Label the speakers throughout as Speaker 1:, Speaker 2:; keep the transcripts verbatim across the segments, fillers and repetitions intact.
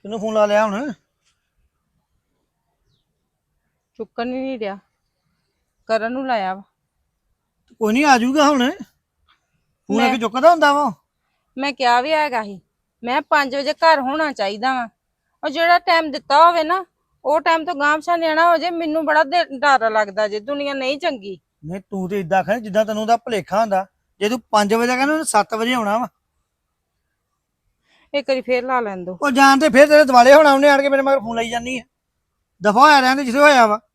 Speaker 1: ਕਿਹਨੂੰ ਫੋਨ ਲਾ ਲਿਆ ਹੁਣ?
Speaker 2: ਚੁੱਕਣ ਹੀ ਨਹੀਂ ਰਿਹਾ। ਕਰਨ ਨੂੰ ਲਾਇਆ ਵਾ।
Speaker 1: ਕੋਈ ਨਹੀਂ ਆ ਜਾਊਗਾ ਹੁਣ। ਫੋਨ ਆ
Speaker 2: ਮੈਂ
Speaker 1: ਕੇ ਚੁੱਕਦਾ ਹੁੰਦਾ ਵਾ।
Speaker 2: ਮੈਂ ਕਿਹਾ ਵੀ ਹੈਗਾ ਸੀ, ਮੈਂ ਪੰਜ ਵਜੇ ਘਰ ਹੋਣਾ ਚਾਹੀਦਾ ਵਾ। ਉਹ ਜਿਹੜਾ ਟਾਈਮ ਦਿੱਤਾ ਹੋਵੇ ਨਾ, ਉਹ ਟਾਈਮ ਤੋਂ ਗਾਂਹ ਪਿਛਾਂਹ ਨਿਆਣਾ ਹੋ ਜੇ, ਮੈਨੂੰ ਬੜਾ ਦਿ- ਡਰ ਲੱਗਦਾ ਜੇ। ਦੁਨੀਆ ਨਹੀਂ ਚੰਗੀ।
Speaker 1: ਨਹੀਂ ਤੂੰ ਤੇ ਇਦਾਂ ਕਰ ਜਿੱਦਾਂ ਤੈਨੂੰ ਉਹਦਾ ਭੁਲੇਖਾ ਹੁੰਦਾ। ਜੇ ਤੂੰ ਪੰਜ ਵਜੇ ਕਹਿੰਦਾ ਉਹਨੇ ਸੱਤ ਵਜੇ ਆਉਣਾ ਵਾ।
Speaker 2: ਇੱਕ ਵਾਰੀ ਫੇਰ ਲਾ ਲੈਣ ਦੋ।
Speaker 1: ਉਹ ਜਾਣ ਤੇ ਫਿਰ ਤੇਰੇ ਦਿਵਾਲੇ ਹੋਣਾ। ਉਹਨੇ ਆਣ ਕੇ ਮੇਰੇ ਮਗਰ ਫੋਨ ਲਾਈ ਜਾਂਦੀ ਹੈ। ਦਫਾ ਹੋਇਆ ਰਹਿੰਦੇ ਜਿੱਥੇ ਹੋਇਆ ਵਾ।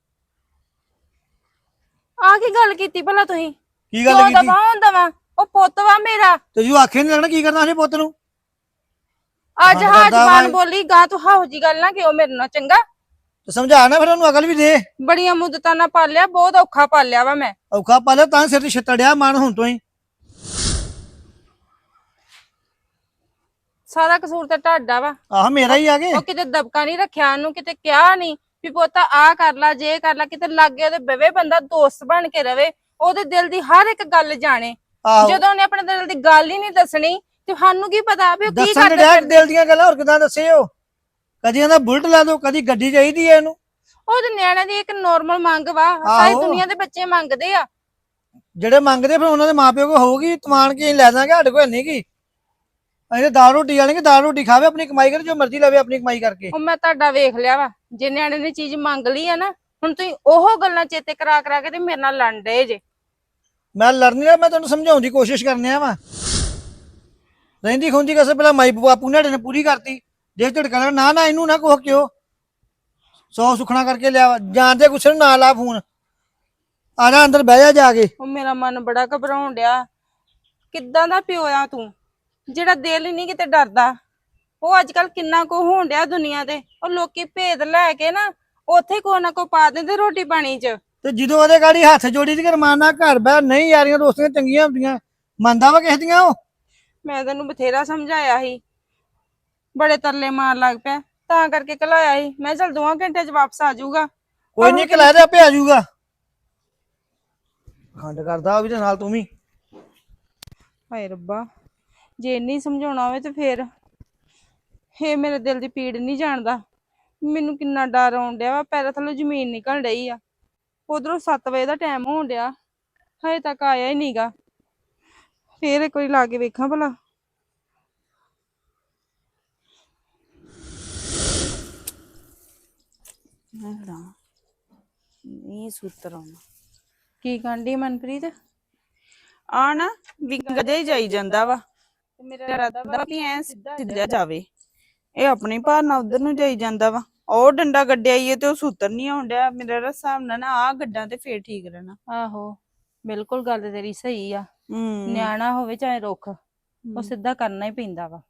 Speaker 2: ਆਹ ਕੀ ਗੱਲ ਕੀਤੀ ਭਲਾ ਤੁਸੀਂ?
Speaker 1: ਕੀ ਗੱਲ
Speaker 2: ਕਿਉਂ
Speaker 1: ਕੀਤੀ?
Speaker 2: ਦਫਾ ਹੁੰਦਾ ਵਾ? ਉਹ ਪੁੱਤ ਵਾ ਮੇਰਾ।
Speaker 1: ਤੇ ਜੂ ਆਖੇ ਨਹੀਂ ਲੱਗਣਾ ਕੀ ਕਰਨਾ ਸੀ ਪੁੱਤ ਨੂੰ।
Speaker 2: ਅੱਜ
Speaker 1: ਹਾਂ
Speaker 2: ਹਾਂ
Speaker 1: ਕਰਦਾ
Speaker 2: ਜ਼ਬਾਨ
Speaker 1: ਵਾ।
Speaker 2: ਬੋਲੀ ਗਾਂ ਤੂੰ ਹਾਹੋ ਜੀ ਗੱਲ ਨਾ ਕਿਉਂ ਮੇਰੇ ਨਾਲ, ਚੰਗਾ?
Speaker 1: ਤੇ ਸਮਝਾ ਨਾ ਫਿਰ ਉਹਨੂੰ ਅਕਲ ਵੀ ਦੇ।
Speaker 2: ਬੜੀਆਂ ਮੁੱਦਤਾਂ ਨਾਲ ਪਾਲਿਆ, ਬਹੁਤ ਔਖਾ ਪਾਲਿਆ ਵਾ ਮੈਂ।
Speaker 1: ਔਖਾ ਪਾ ਲਿਆ ਤਾਂ ਸਿਰ ਤੇ ਛਿੱਤੜਿਆ ਮਨ ਹੁਣ ਤੋਂ ਹੀ।
Speaker 2: ਸਾਰਾ ਕਸੂਰ ਤਾਂ ਤੁਹਾਡਾ ਵਾ।
Speaker 1: ਆਹ ਮੇਰਾ ਹੀ ਆ ਗਏ।
Speaker 2: ਉਹ ਕਿਤੇ ਦਬਕਾ ਨਹੀਂ ਰੱਖਿਆ, ਉਹਨੂੰ ਕਿਤੇ ਕਿਹਾ ਨਹੀਂ ਵੀ ਪੁੱਤ ਆ ਕਰ ਲਾ, ਜੇ ਕਰ ਲਾ। ਕਿਤੇ ਲਾਗੇ ਉਹਦੇ ਬਵੇ ਬੰਦਾ, ਦੋਸਤ ਬਣ ਕੇ ਰਵੇ, ਉਹਦੇ ਦਿਲ ਦੀ ਹਰ ਇੱਕ ਗੱਲ ਜਾਣੇ।
Speaker 1: ਆਹੋ
Speaker 2: ਜਦੋਂ ਉਹਨੇ ਆਪਣੇ ਦਿਲ ਦੀ ਗੱਲ ਹੀ ਨਹੀਂ ਦੱਸਣੀ ਤੇ ਸਾਨੂੰ ਕੀ ਪਤਾ ਵੀ ਉਹ ਕੀ
Speaker 1: ਦੱਸਣ
Speaker 2: ਕਰਦੇ
Speaker 1: ਡਿਆ
Speaker 2: ਫਿਰਦੇ।
Speaker 1: ਦਿਲ ਦੀਆਂ ਗੱਲਾਂ ਹੋਰ ਕਿਦਾਂ ਦੱਸੇ ਉਹ। ਕਦੀ ਕਹਿੰਦਾ ਬੁਲਟ ਲਾ ਦੋ, ਕਦੀ ਗੱਡੀ ਚਾਹੀਦੀ ਹੈ ਇਹਨੂੰ।
Speaker 2: ਉਹਦੇ ਨਿਆਣਿਆਂ ਦੀ ਇੱਕ ਨੋਰਮਲ ਮੰਗ ਵਾ, ਸਾਰੀ
Speaker 1: ਆਹੋ।
Speaker 2: ਦੁਨੀਆ ਦੇ ਬੱਚੇ ਮੰਗਦੇ ਆ।
Speaker 1: ਜਿਹੜੇ ਮੰਗਦੇ ਫਿਰ ਉਹਨਾਂ ਦੇ ਮਾਪਿਓ ਕੋ ਹੋਊਗੀ ਤਮਾਨ ਕੀ ਲੈ ਦਾਂਗੇ, ਸਾਡੇ ਕੋਲ ਨਹੀਂ ਗੀ। ਅਸੀਂ ਦਾਲ ਰੋਟੀ ਵਾਲੇ ਦਾਲ ਰੋਟੀ ਖਾਵੇ, ਆਪਣੀ ਕਮਾਈ ਕਰੇ, ਜੋ ਮਰਜ਼ੀ ਲਵੇ ਆਪਣੀ ਕਮਾਈ ਕਰਕੇ।
Speaker 2: ਉਹ ਮੈਂ ਤੁਹਾਡਾ ਵੇਖ ਲਿਆ ਵਾ। ਜੇ ਨਿਆਣੇ ਨੇ ਚੀਜ਼ ਮੰਗ ਲਈ ਆ ਨਾ, ਹੁਣ ਤੁਸੀਂ ਉਹ ਗੱਲਾਂ ਚੇਤੇ ਕਰਾ ਕਰਾ ਕੇ ਤੇ ਮੇਰੇ ਨਾਲ ਲੜ ਡਏ ਜੇ।
Speaker 1: ਮੈਂ ਲੜਨੀ ਆ, ਮੈਂ ਤੈਨੂੰ ਸਮਝਾਉਣ ਦੀ ਕੋਸ਼ਿਸ਼ ਕਰਨੇ ਆ ਵਾ। ਰਹਿੰਦੀ ਖੁੰਦੀ ਕਸੇ ਪਹਿਲਾਂ ਮਾਈ ਬਾਪੂ ਨੇ ਪੂਰੀ ਕਰਤੀ। ਜੇ ਝੜਕਾ ਨਾ ਨਾ ਇਹਨੂੰ ਨਾ ਕੋਹ ਕਿਉ ਸੌ ਸੁਖਣਾ ਕਰਕੇ ਲਿਆ। ਜਾਣਦੇ ਗੁੱਸੇ ਨੂੰ ਨਾ ਲਾ ਫੋਨ। ਆ ਜਾ ਅੰਦਰ ਬਹਿ ਜਾ ਜਾ ਕੇ।
Speaker 2: ਉਹ ਮੇਰਾ ਮਨ ਬੜਾ ਘਬਰਾਉਣ ਡਿਆ। ਕਿੱਦਾਂ ਦਾ ਪਿਓ ਆ ਤੂੰ, ਜਿਹੜਾ ਦਿਲ ਹੀ ਨਹੀਂ ਕਿਤੇ ਡਰਦਾ। ਉਹ ਅੱਜ ਕੱਲ ਕਿੰਨਾ ਕੋ ਹੋਣ ਡਿਆ ਦੁਨੀਆ ਤੇ। ਉਹ ਲੋਕੀ ਭੇਦ ਲੈ ਕੇ ਨਾ ਉੱਥੇ ਕੋ ਨਾ ਕੋ ਪਾ ਦਿੰਦੇ ਰੋਟੀ ਪਾਣੀ ਚ।
Speaker 1: ਤੇ ਜਦੋਂ ਉਹਦੇ ਗਾੜੀ ਹੱਥ ਜੋੜੀ ਦੀ ਰਮਾਨਾ ਘਰ ਬਹਿ ਨਹੀਂ ਯਾਰੀਆਂ ਦੋਸਤੀਆਂ ਚੰਗੀਆਂ ਹੁੰਦੀਆਂ। ਮੰਨਦਾ ਵਾ ਕਿਸੇ ਦੀਆਂ ਉਹ।
Speaker 2: ਮੈਂ ਤੈਨੂੰ ਬਥੇਰਾ ਸਮਝਾਇਆ ਸੀ, ਬੜੇ ਤਰਲੇ ਮਾਰ ਲੱਗ ਪਿਆ, ਤਾਂ ਕਰਕੇ ਘਲਾਇਆ ਸੀ। ਮੈਂ ਚੱਲ ਦੋਵਾਂ ਘੰਟੇ ਚ ਵਾਪਸ ਆ ਜਾਊਗਾ।
Speaker 1: ਕੋਈ ਨਹੀਂ ਕਿ ਦੇ ਆਪੇ ਆ ਜਾਊਗਾ। ਖੰਡ ਕਰਦਾ ਉਹ ਵੀ ਤੇ ਨਾਲ ਤੂੰ ਵੀ।
Speaker 2: ਹਾਏ ਰੱਬਾ, ਜੇ ਇੰਨੀ ਸਮਝਾਉਣਾ ਹੋਵੇ ਤੇ ਫੇਰ ਇਹ ਮੇਰੇ ਦਿਲ ਦੀ ਪੀੜ ਨਹੀਂ ਜਾਣਦਾ। ਮੈਨੂੰ ਕਿੰਨਾ ਡਰ ਆਉਣ ਡਿਆ ਵਾ, ਪੈਰਾਂ ਥੱਲੋਂ ਜ਼ਮੀਨ ਨਿਕਲ ਰਹੀ ਆ। ਉਧਰੋਂ ਸੱਤ ਵਜੇ ਦਾ ਟਾਈਮ ਹੋਣ ਡਿਆ, ਹਜੇ ਤੱਕ ਆਇਆ ਹੀ ਨਹੀਂਗਾ। ਫੇਰ ਇੱਕ ਵਾਰੀ ਲਾ ਕੇ ਵੇਖਾਂ ਭਲਾ।
Speaker 3: ਨਹੀਂ ਸੂਤਰ ਆਉਣਾ
Speaker 2: ਕੀ ਕਹਿੰਦੀ ਮਨਪ੍ਰੀਤ?
Speaker 3: ਆ ਨਾ ਵਿੰਗਾ ਜਿਹਾ ਹੀ ਜਾਈ ਜਾਂਦਾ ਵਾ।
Speaker 2: ਮੇਰਾ
Speaker 3: ਇਰਾਦਾ ਵਾ ਵੀ ਐ ਸਿੱਧਾ ਜਾਵੇ। ਇਹ ਆਪਣੀ ਭਾਰ ਨਾਲ ਉਧਰ ਨੂੰ ਜਾਈ ਜਾਂਦਾ ਵਾ। ਉਹ ਡੰਡਾ ਗੱਡਿਆ ਈ ਤੇ ਉਹ ਸੂਤਰ ਨਹੀਂ ਆਉਣ ਡਿਆ। ਮੇਰਾ ਹਿਸਾਬ ਨਾਲ ਨਾ ਆ ਗੱਡਾਂ ਤੇ ਫੇਰ ਠੀਕ ਰਹਿਣਾ।
Speaker 2: ਆਹੋ, ਬਿਲਕੁਲ ਗੱਲ ਤੇਰੀ ਸਹੀ ਆ।
Speaker 3: ਹੂੰ
Speaker 2: ਨਿਆਣਾ ਹੋਵੇ ਚਾਹੇ ਰੁੱਖ, ਉਹ ਸਿੱਧਾ ਕਰਨਾ ਹੀ ਪੈਂਦਾ ਵਾ।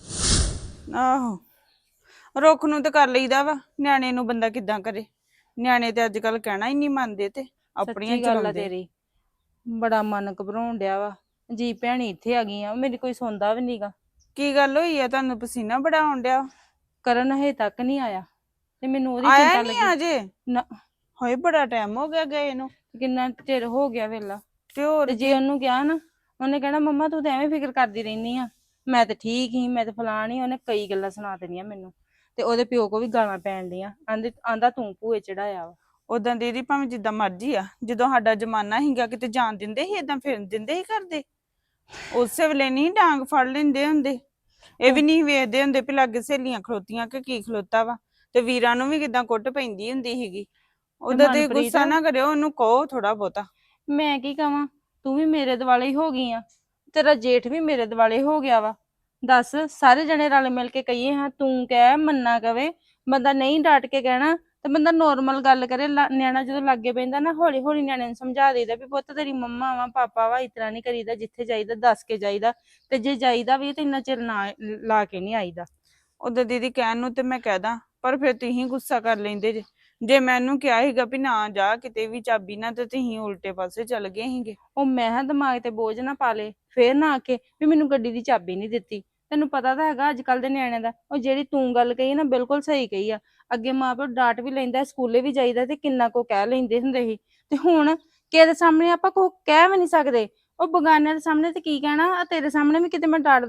Speaker 3: ਆਹੋ, ਰੁੱਖ ਨੂੰ ਤੇ ਕਰ ਲਈਦਾ ਵਾ, ਨਿਆਣੇ ਨੂੰ ਬੰਦਾ ਕਿੱਦਾਂ ਕਰੇ। ਨਿਆਣੇ ਤੇ ਅੱਜ ਕੱਲ ਕਹਿਣਾ ਹੀ ਨਹੀਂ ਮੰਨਦੇ ਤੇ ਆਪਣੀਆਂ
Speaker 2: ਸੱਚੀ ਗੱਲ ਆ
Speaker 3: ਚਲਾਉਂਦੇ।
Speaker 2: ਤੇਰੀ। ਬੜਾ ਮਨ ਘਬਰਾਉਣ ਡਿਆ ਵਾ। ਜੀ ਭੈਣੀ ਇੱਥੇ ਆ ਗਈ ਆ, ਮੇਰੀ ਕੋਈ ਸੁਣਦਾ ਵੀ ਨਹੀਂਗਾ।
Speaker 3: ਕੀ ਗੱਲ ਹੋਈ ਆ? ਤੁਹਾਨੂੰ ਪਸੀਨਾ ਬੜਾ ਆਉਣ ਡਿਆ।
Speaker 2: ਕਰਨ ਹਜੇ ਤੱਕ ਨਹੀਂ ਆਇਆ ਤੇ ਮੈਨੂੰ ਉਹਦੀ
Speaker 3: ਆਇਆ
Speaker 2: ਚਿੰਤਾ
Speaker 3: ਨਹੀਂ
Speaker 2: ਲੱਗੀ।
Speaker 3: ਅਜੇ?
Speaker 2: ਨਾ,
Speaker 3: ਹੋਏ ਬੜਾ ਟਾਈਮ ਹੋ ਗਿਆ ਗਏ ਨੂੰ।
Speaker 2: ਕਿੰਨਾ ਚਿਰ ਹੋ ਗਿਆ ਵੇਲਾ।
Speaker 3: ਤੇ ਹੋਰ
Speaker 2: ਤੇ ਜੇ ਉਹਨੂੰ ਕਿਹਾ ਨਾ, ਉਹਨੇ ਕਹਿਣਾ ਮੰਮਾ ਤੂੰ ਤਾਂ ਐਵੇਂ ਫਿਕਰ ਕਰਦੀ ਰਹਿਨੀ ਆ, ਮੈਂ ਤੇ ਠੀਕ ਹੀ, ਮੈਂ ਤੇ ਫਲਾਣ ਹੀ। ਉਹਨੇ ਕਈ ਗੱਲਾਂ ਸੁਣਾ ਦੇਣੀਆਂ ਮੈਨੂੰ। ਤੇ ਉਹਦੇ ਪਿਓ ਕੋ ਵੀ ਗਾਲਾਂ ਪੈਣ ਡੀਆਂ। ਆਂਦੇ ਆਂਦਾ ਤੂੰ ਭੂਏ ਚੜਾਇਆ ਵਾ।
Speaker 3: ਉਦਾਂ ਦੀਦੀ ਭਾਵੇਂ ਜਿੱਦਾਂ ਮਰਜੀ ਆ, ਜਦੋਂ ਸਾਡਾ ਜ਼ਮਾਨਾ ਸੀਗਾ ਕਿਤੇ ਜਾਣ ਦਿੰਦੇ ਸੀ, ਏਦਾਂ ਫਿਰਨ ਦਿੰਦੇ ਸੀ ਕਰਦੇ। ਉਸੇ ਵੇਲੇ ਨਹੀਂ ਡਾਂਗ ਫੜ ਲੈਂਦੇ ਹੁੰਦੇ। ਇਹ ਵੀ ਨਹੀਂ ਵੇਖਦੇ ਹੁੰਦੇ ਵੀ ਲਾਗੇ ਸਹੇਲੀਆਂ ਖਲੋਤੀਆਂ ਕਿ ਕੀ ਖਲੋਤਾ ਵਾ। ਤੇ ਵੀਰਾਂ ਨੂੰ ਵੀ ਕਿਦਾਂ ਕੁੱਟ ਪੈਂਦੀ ਹੁੰਦੀ ਸੀਗੀ। ਉਹਦਾ ਤੇ ਗੁੱਸਾ ਨਾ ਕਰਿਓ, ਉਹਨੂੰ ਕਹੋ ਥੋੜਾ ਬਹੁਤਾ।
Speaker 2: ਮੈਂ ਕੀ ਕਵਾਂ, ਤੂੰ ਵੀ ਮੇਰੇ ਦੁਆਲੇ ਹੀ ਹੋ ਗਈ ਆ, ਤੇਰਾ ਜੇਠ ਵੀ ਮੇਰੇ ਦੁਆਲੇ ਹੋ ਗਿਆ ਵਾ। ਦੱਸ, ਸਾਰੇ ਜਣੇ ਰਲ ਮਿਲ ਕੇ ਕਹੀਏ ਹਾਂ, ਤੂੰ ਕਹਿ ਮੰਨਾ ਕਵੇ। ਬੰਦਾ ਨਹੀਂ ਡਾਂਟ ਕੇ ਕਹਿਣਾ ਤੇ ਬੰਦਾ ਨੋਰਮਲ ਗੱਲ ਕਰੇ। ਨਿਆਣਾ ਜਦੋਂ ਲਾਗੇ ਪੈਂਦਾ ਨਾ, ਹੌਲੀ ਹੌਲੀ ਨਿਆਣੇ ਨੂੰ ਸਮਝਾ ਦੇਈਦਾ ਵੀ ਪੁੱਤ ਤੇਰੀ ਮੰਮਾ ਵਾ, ਪਾਪਾ ਵਾ, ਇਸ ਤਰ੍ਹਾਂ ਨਹੀਂ ਕਰੀਦਾ। ਜਿੱਥੇ ਜਾਈਦਾ ਦੱਸ ਕੇ ਜਾਈਦਾ, ਤੇ ਜੇ ਜਾਈਦਾ ਵੀ ਤੇ ਇੰਨਾ ਚਿਰ ਨਾ ਲਾ ਕੇ ਨਹੀਂ ਆਈਦਾ।
Speaker 3: ਉਦਾਂ ਦੀਦੀ ਕਹਿਣ ਨੂੰ ਤੇ ਮੈਂ ਕਹਿਦਾ, ਪਰ ਫਿਰ ਤੁਸੀਂ ਗੁੱਸਾ ਕਰ ਲੈਂਦੇ ਜੇ। ਜੇ ਮੈਨੂੰ ਕਿਹਾ ਸੀਗਾ ਵੀ ਨਾ ਜਾ ਕਿਤੇ ਵੀ ਚਾਬੀ ਨਾ, ਤੇ ਤੁਸੀਂ ਉਲਟੇ ਪਾਸੇ ਚੱਲ ਗਏ ਸੀਗੇ।
Speaker 2: ਉਹ ਮੈਂ ਕਿਹਾ ਦਿਮਾਗ ਤੇ ਬੋਝ ਨਾ ਪਾ ਲੇ, ਫੇਰ ਨਾ ਆਕੇ ਵੀ ਮੈਨੂੰ ਗੱਡੀ ਦੀ ਚਾਬੀ ਨਹੀਂ ਦਿੱਤੀ। ਤੈਨੂੰ ਪਤਾ ਤਾਂ ਹੈਗਾ ਅੱਜ ਕੱਲ ਦੇ ਨਿਆਣਿਆਂ ਦਾ। ਉਹ ਜਿਹੜੀ ਤੂੰ ਗੱਲ ਕਹੀ ਨਾ, ਬਿਲਕੁਲ ਸਹੀ ਕਹੀ ਆ। ਅੱਗੇ ਮਾਂ ਪਿਓ ਡਾਂਟ ਵੀ ਲੈਂਦਾ, ਸਕੂਲੇ ਵੀ ਜਾਈਦਾ ਤੇ ਕਿੰਨਾ ਕੋ ਕਹਿ ਲੈਂਦੇ ਹੁੰਦੇ ਸੀ। ਤੇ ਹੁਣ ਕਿਸੇ ਦੇ ਸਾਹਮਣੇ ਆਪਾਂ ਕੋ ਕਹਿ ਵੀ ਨਹੀਂ ਸਕਦੇ। ਉਹ ਬਗਾਨਿਆਂ ਦੇ ਸਾਹਮਣੇ ਤੇ ਕੀ ਕਹਿਣਾ। ਤੇਰੇ ਸਾਹਮਣੇ ਵੀ ਕਿਤੇ ਮੈਂ ਡਾਂਟਦਾ ਨਾ,